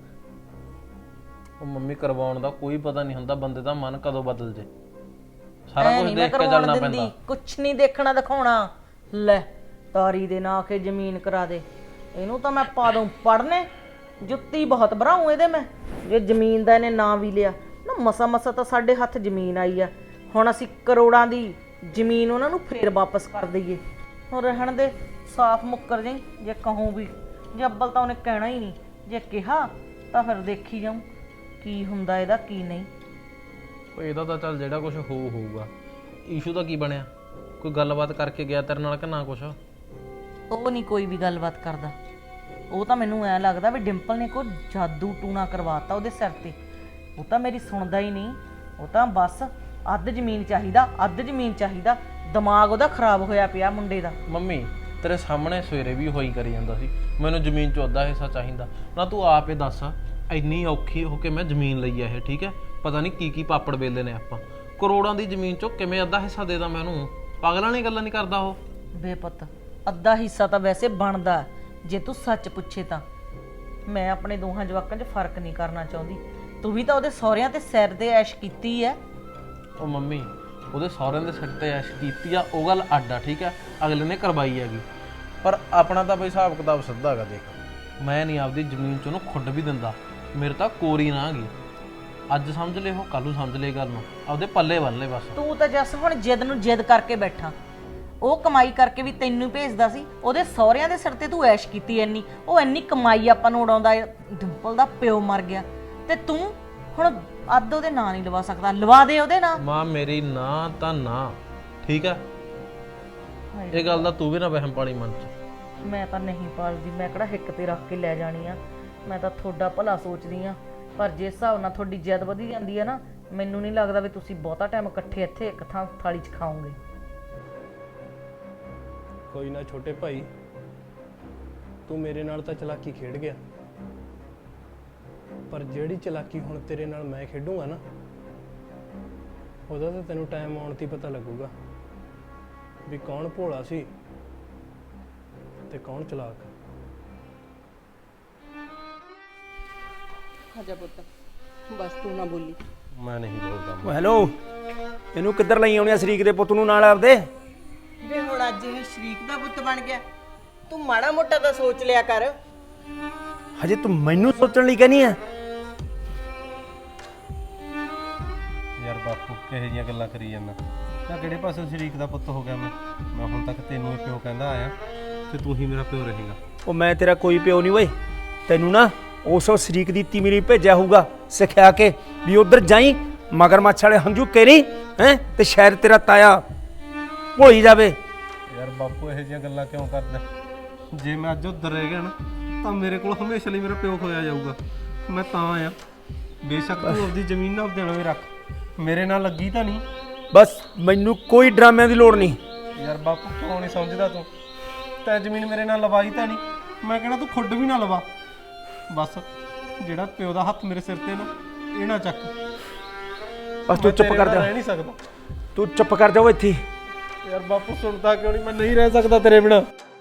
Speaker 6: ਉਹ ਮੰਮੀ ਕਰਵਾਉਣ ਦਾ ਕੋਈ ਪਤਾ ਨਹੀਂ ਹੁੰਦਾ, ਬੰਦੇ ਦਾ ਮਨ ਕਦੋਂ ਬਦਲ ਜੇ। ਸਾਰਾ
Speaker 5: ਐ
Speaker 6: ਕੁਝ
Speaker 5: ਨਹੀਂ ਮੈਂ
Speaker 6: ਦੇਖ ਕੇ
Speaker 5: ਕਰਵਾਉਣ
Speaker 6: ਚੱਲਣਾ
Speaker 5: ਦਿੰਦੀ,
Speaker 6: ਪੈਂਦਾ।
Speaker 5: ਕੁਛ ਨਹੀਂ ਦੇਖਣਾ ਦਿਖਾਉਣਾ। ਲੈ ਤਾਰੀ ਦੇ ਨਾਂ ਕੇ ਜ਼ਮੀਨ ਕਰਾ ਦੇ, ਇਹਨੂੰ ਤਾਂ ਮੈਂ ਪਾ ਦੂੰ ਪੜਨੇ, ਜੁੱਤੀ ਬਹੁਤ ਭਰਾਉਂ ਇਹਦੇ ਮੈਂ। ਜੇ ਜ਼ਮੀਨ ਦਾ ਇਹਨੇ ਨਾਂ ਵੀ ਲਿਆ ਨਾ, ਮਸਾ ਮਸਾ ਤਾਂ ਸਾਡੇ ਹੱਥ ਜ਼ਮੀਨ ਆਈ ਆ, ਹੁਣ ਅਸੀਂ ਕਰੋੜਾਂ ਦੀ ਜ਼ਮੀਨ ਉਹਨਾਂ ਨੂੰ ਫੇਰ ਵਾਪਸ ਕਰ ਦਈਏ। ਹੁਣ ਰਹਿਣ ਦੇ, ਸਾਫ਼ ਮੁੱਕਰ ਜਾਈ ਜੇ ਕਹੂੰ ਵੀ। ਜੇ ਅੱਬਲ ਤਾਂ ਉਹਨੇ ਕਹਿਣਾ ਹੀ ਨਹੀਂ, ਜੇ ਕਿਹਾ ਤਾਂ ਫਿਰ ਦੇਖੀ ਜਾਊਂ ਕੀ ਹੁੰਦਾ ਇਹਦਾ ਕੀ ਨਹੀਂ।
Speaker 6: ਉਹ ਇਹਦਾ ਤਾਂ ਚੱਲ ਜਿਹੜਾ ਕੁਝ ਹੋ ਹੋਊਗਾ। ਈਸ਼ੂ ਦਾ ਕੀ ਬਣਿਆ? ਕੋਈ ਗੱਲਬਾਤ ਕਰਕੇ ਗਿਆ ਤੇਰੇ ਨਾਲ ਕਿ ਨਾ ਕੁਛ?
Speaker 5: ਉਹ ਨਹੀਂ ਕੋਈ ਵੀ ਗੱਲਬਾਤ ਕਰਦਾ। ਉਹ ਤਾਂ ਮੈਨੂੰ ਐਂ ਲੱਗਦਾ ਵੀ ਡਿੰਪਲ ਨੇ ਕੋਈ ਜਾਦੂ ਟੂਣਾ ਕਰਵਾਤਾ ਉਹਦੇ ਸਿਰ ਤੇ। ਉਹ ਤਾਂ ਮੇਰੀ ਸੁਣਦਾ ਹੀ ਨਹੀਂ, ਉਹ ਤਾਂ ਬਸ ਅੱਧ ਜ਼ਮੀਨ ਚਾਹੀਦਾ, ਅੱਧ ਜ਼ਮੀਨ ਚਾਹੀਦਾ। ਦਿਮਾਗ ਉਹਦਾ ਖਰਾਬ ਹੋਇਆ ਪਿਆ ਮੁੰਡੇ ਦਾ।
Speaker 6: ਮੰਮੀ ਤੇਰੇ ਸਾਹਮਣੇ ਸਵੇਰੇ ਵੀ ਹੋਈ ਕਰੀ ਜਾਂਦਾ ਸੀ, ਮੈਨੂੰ ਜ਼ਮੀਨ 'ਚ ਅੱਧਾ ਹਿੱਸਾ ਚਾਹੀਦਾ। ਨਾ ਤੂੰ ਆਪ ਹੀ ਦੱਸ, ਇੰਨੀ ਔਖੀ ਹੋ ਕੇ ਮੈਂ ਜ਼ਮੀਨ ਲਈ ਆ ਇਹ, ਠੀਕ ਹੈ? ਪਤਾ ਨਹੀਂ ਕੀ ਕੀ ਪਾਪੜ ਵੇਲੇ ਨੇ ਆਪਾਂ। ਕਰੋੜਾਂ ਦੀ ਜ਼ਮੀਨ 'ਚੋਂ ਕਿਵੇਂ ਅੱਧਾ ਹਿੱਸਾ ਦੇ ਦਾਂ ਮੈਨੂੰ? ਪਾਗਲਾਂ ਨੇ ਗੱਲਾਂ ਨਹੀਂ ਕਰਦਾ ਉਹ।
Speaker 5: ਬੇਪੁੱਤ ਅੱਧਾ ਹਿੱਸਾ ਤਾਂ ਵੈਸੇ ਬਣਦਾ ਜੇ ਤੂੰ ਸੱਚ ਪੁੱਛੇ ਤਾਂ। ਮੈਂ ਆਪਣੇ ਦੋਹਾਂ ਜਵਾਕਾਂ 'ਚ ਫਰਕ ਨਹੀਂ ਕਰਨਾ ਚਾਹੁੰਦੀ। ਤੂੰ ਵੀ ਤਾਂ ਉਹਦੇ ਸਹੁਰਿਆਂ ਤੇ ਸਿਰ ਦੇ ਐਸ਼ ਕੀਤੀ ਹੈ।
Speaker 6: ਉਹ ਮੰਮੀ ਉਹਦੇ ਸਹੁਰਿਆਂ ਦੇ ਸਿਰ ਤੇ ਐਸ਼ ਕੀਤੀ ਆ, ਉਹ ਗੱਲ ਅੱਡ ਆ, ਠੀਕ ਹੈ? ਅਗਲੇ ਨੇ ਕਰਵਾਈ ਹੈਗੀ, ਪਰ ਆਪਣਾ ਤਾਂ ਬਈ ਹਿਸਾਬ ਕਿਤਾਬ ਸਿੱਧਾ ਹੈਗਾ। ਦੇਖ ਮੈਂ ਨਹੀਂ ਆਪਦੀ ਜ਼ਮੀਨ 'ਚ ਉਹਨੂੰ ਖੁੱਡ ਵੀ ਦਿੰਦਾ, ਮੇਰੇ ਤਾਂ ਕੋਰੀ ਨਾ ਗਈ। ਅੱਜ ਸਮਝ ਲੈ ਉਹ, ਕੱਲ ਨੂੰ ਸਮਝ ਲੈ ਗੱਲ ਨੂੰ, ਆਪਦੇ ਪੱਲੇ ਬੰਨ ਲੈ ਬਸ।
Speaker 5: ਤੂੰ ਤਾਂ ਜੱਸ ਹੁਣ ਜਿੱਦ ਨੂੰ ਜਿੱਦ ਕਰਕੇ ਬੈਠਾ। ਉਹ ਕਮਾਈ ਕਰਕੇ ਵੀ ਤੈਨੂੰ ਭੇਜਦਾ ਸੀ, ਉਹਦੇ ਸਹੁਰਿਆਂ ਦੇ ਸਿਰ ਤੇ ਤੂੰ ਐਸ਼ ਕੀਤੀ ਇੰਨੀ। ਉਹ ਇੰਨੀ ਕਮਾਈ ਆਪਾਂ ਨੂੰ ਉਡਾਉਂਦਾ, ਡਿੰਪਲ ਦਾ ਪਿਓ ਮਰ ਗਿਆ ਤੇ ਤੂੰ ਹੁਣ ਅੱਧ ਉਹਦੇ ਨਾਂ ਨਹੀਂ ਲਵਾ ਸਕਦਾ। ਲਵਾ ਦੇ ਉਹਦੇ ਨਾਂ।
Speaker 6: ਮਾਂ ਮੇਰੀ ਨਾ ਤਾਂ ਨਾ, ਠੀਕ ਹੈ? ਇਹ ਗੱਲ ਦਾ ਤੂੰ ਵੀ ਨਾ ਵਹਿਮ ਪਾਲੀ ਮਨ 'ਚ।
Speaker 5: ਮੈਂ ਤਾਂ ਨਹੀਂ ਪਾਲਦੀ, ਮੈਂ ਕਿਹੜਾ ਹਿੱਕ ਤੇ ਰੱਖ ਕੇ ਲੈ ਜਾਣੀ ਆ। ਮੈਂ ਤਾਂ ਤੁਹਾਡਾ ਭਲਾ ਸੋਚਦੀ ਆ, ਪਰ ਜਿਸ ਹਿਸਾਬ ਨਾਲ ਤੁਹਾਡੀ ਜਿੱਦ ਵਧੀ ਜਾਂਦੀ ਆ ਨਾ, ਮੈਨੂੰ ਨਹੀਂ ਲੱਗਦਾ ਵੀ ਤੁਸੀਂ ਬਹੁਤਾ ਟਾਈਮ ਇਕੱਠੇ ਇੱਥੇ ਇੱਕ ਥਾਂ ਥਾਲੀ 'ਚ ਖਾਓਗੇ।
Speaker 10: ਕੋਈ ਨਾ ਛੋਟੇ ਭਾਈ, ਤੂੰ ਮੇਰੇ ਨਾਲ ਤਾਂ ਚਲਾਕੀ ਖੇਡ ਗਿਆ, ਪਰ ਜਿਹੜੀ ਚਲਾਕੀ ਹੁਣ ਤੇਰੇ ਨਾਲ ਮੈਂ ਖੇਡੂੰਗਾ ਨਾ, ਉਹਦਾ ਤਾਂ ਤੈਨੂੰ ਟਾਈਮ ਆਉਣ 'ਤੇ ਪਤਾ ਲੱਗੂਗਾ ਵੀ ਕੌਣ ਭੋਲਾ ਸੀ ਤੇ ਕੌਣ ਚਲਾਕ।
Speaker 1: ਆਜਾ ਪੁੱਤ, ਬਸ ਤੂੰ ਨਾ ਬੋਲੀ।
Speaker 4: ਮੈਂ ਨਹੀਂ ਬੋਲਦਾ।
Speaker 7: ਓ ਹੈਲੋ, ਇਹਨੂੰ ਕਿੱਧਰ ਲਈ ਆਉਣੀ ਆ ਸ਼ਰੀਕ ਦੇ ਪੁੱਤ ਨੂੰ ਨਾਲ ਆਪਦੇ?
Speaker 1: ਵੇ ਹੁਣ ਅੱਜ ਇਹ ਸ਼ਰੀਕ ਦਾ ਪੁੱਤ ਬਣ ਗਿਆ, ਤੂੰ ਮਾੜਾ ਮੋਟਾ ਤਾਂ ਸੋਚ ਲਿਆ ਕਰ।
Speaker 7: ਹਜੇ ਤੂੰ ਮੈਨੂੰ ਸੋਚਣ ਲਈ ਕਹਿੰਦੀ ਆ?
Speaker 4: ਯਾਰ ਬਾਪੂ ਕਿਹੋ ਜਿਹੀਆਂ ਗੱਲਾਂ ਕਰੀ ਜਾਂਦਾ? ਤਾਂ ਕਿਹੜੇ ਪਾਸੇ ਸ਼ਰੀਕ ਦਾ ਪੁੱਤ ਹੋ ਗਿਆ ਮੈਂ? ਮੈਂ ਹੁਣ ਤੱਕ ਤੈਨੂੰ ਹੀ ਪਿਓ ਕਹਿੰਦਾ ਆਇਆ ਤੇ ਤੂੰ ਹੀ ਮੇਰਾ ਪਿਓ ਰਹੇਗਾ।
Speaker 7: ਉਹ ਮੈਂ ਤੇਰਾ ਕੋਈ ਪਿਓ ਨਹੀਂ ਓਏ, ਤੈਨੂੰ ਨਾ ਉਸ ਸ਼ਰੀਕ ਦੀ ਤੀ ਮੇਰੀ ਭੇਜਿਆ ਹੋਊਗਾ ਸਿਖਾ ਕੇ ਵੀ ਉਧਰ ਜਾਈ, ਮਗਰਮੱਛ ਵਾਲੇ ਹੰਝੂ ਕੇਰੀ ਹੈ ਤੇ ਸ਼ਾਇਦ ਤੇਰਾ ਤਾਇਆ ਭੋਲੀ ਜਾਵੇ।
Speaker 4: ਯਾਰ ਬਾਪੂ ਇਹੋ ਜਿਹੀਆਂ ਗੱਲਾਂ ਕਿਉਂ ਕਰਦਾ? ਜੇ ਮੈਂ ਅੱਜ ਉੱਧਰ ਰਹਿ ਗਿਆ ਨਾ, ਤਾਂ ਮੇਰੇ ਕੋਲ ਹਮੇਸ਼ਾ ਲਈ ਮੇਰਾ ਪਿਓ ਖੋਇਆ ਜਾਊਗਾ। ਮੈਂ ਤਾਂ ਆਇਆ, ਬੇਸ਼ੱਕ ਤੂੰ ਆਪਦੀ ਜ਼ਮੀਨ ਨਾ ਆਪਦੇ ਨਾਮ ਰੱਖ, ਮੇਰੇ ਨਾਲ ਲੱਗੀ ਤਾਂ ਨਹੀਂ।
Speaker 7: ਬਸ ਮੈਨੂੰ ਕੋਈ ਡਰਾਮਿਆਂ ਦੀ ਲੋੜ ਨਹੀਂ।
Speaker 4: ਯਾਰ ਬਾਪੂ ਕਿਉਂ ਨਹੀਂ ਸਮਝਦਾ ਤੂੰ? ਤੈਂ ਜ਼ਮੀਨ ਮੇਰੇ ਨਾਲ ਲਵਾਈ ਤਾਂ ਨਹੀਂ, ਮੈਂ ਕਹਿਣਾ ਤੂੰ ਖੁੱਡ ਵੀ ਨਾ ਲਵਾ। ਬਸ ਜਿਹੜਾ ਪਿਓ ਦਾ ਹੱਥ ਮੇਰੇ ਸਿਰ ਤੇ ਨਾ, ਇਹ ਨਾ ਚੱਕ।
Speaker 7: ਬਸ ਤੂੰ ਚੁੱਪ ਕਰ ਜਾ,
Speaker 4: ਰਹਿ ਨਹੀਂ ਸਕਦਾ।
Speaker 7: ਤੂੰ ਚੁੱਪ ਕਰ ਜਾ ਓ ਇੱਥੇ।
Speaker 4: ਯਾਰ ਬਾਪੂ ਸੁਣਦਾ ਕਿਉਂ ਨਹੀਂ? ਮੈਂ ਨਹੀਂ ਰਹਿ ਸਕਦਾ ਤੇਰੇ ਬਿਨਾਂ।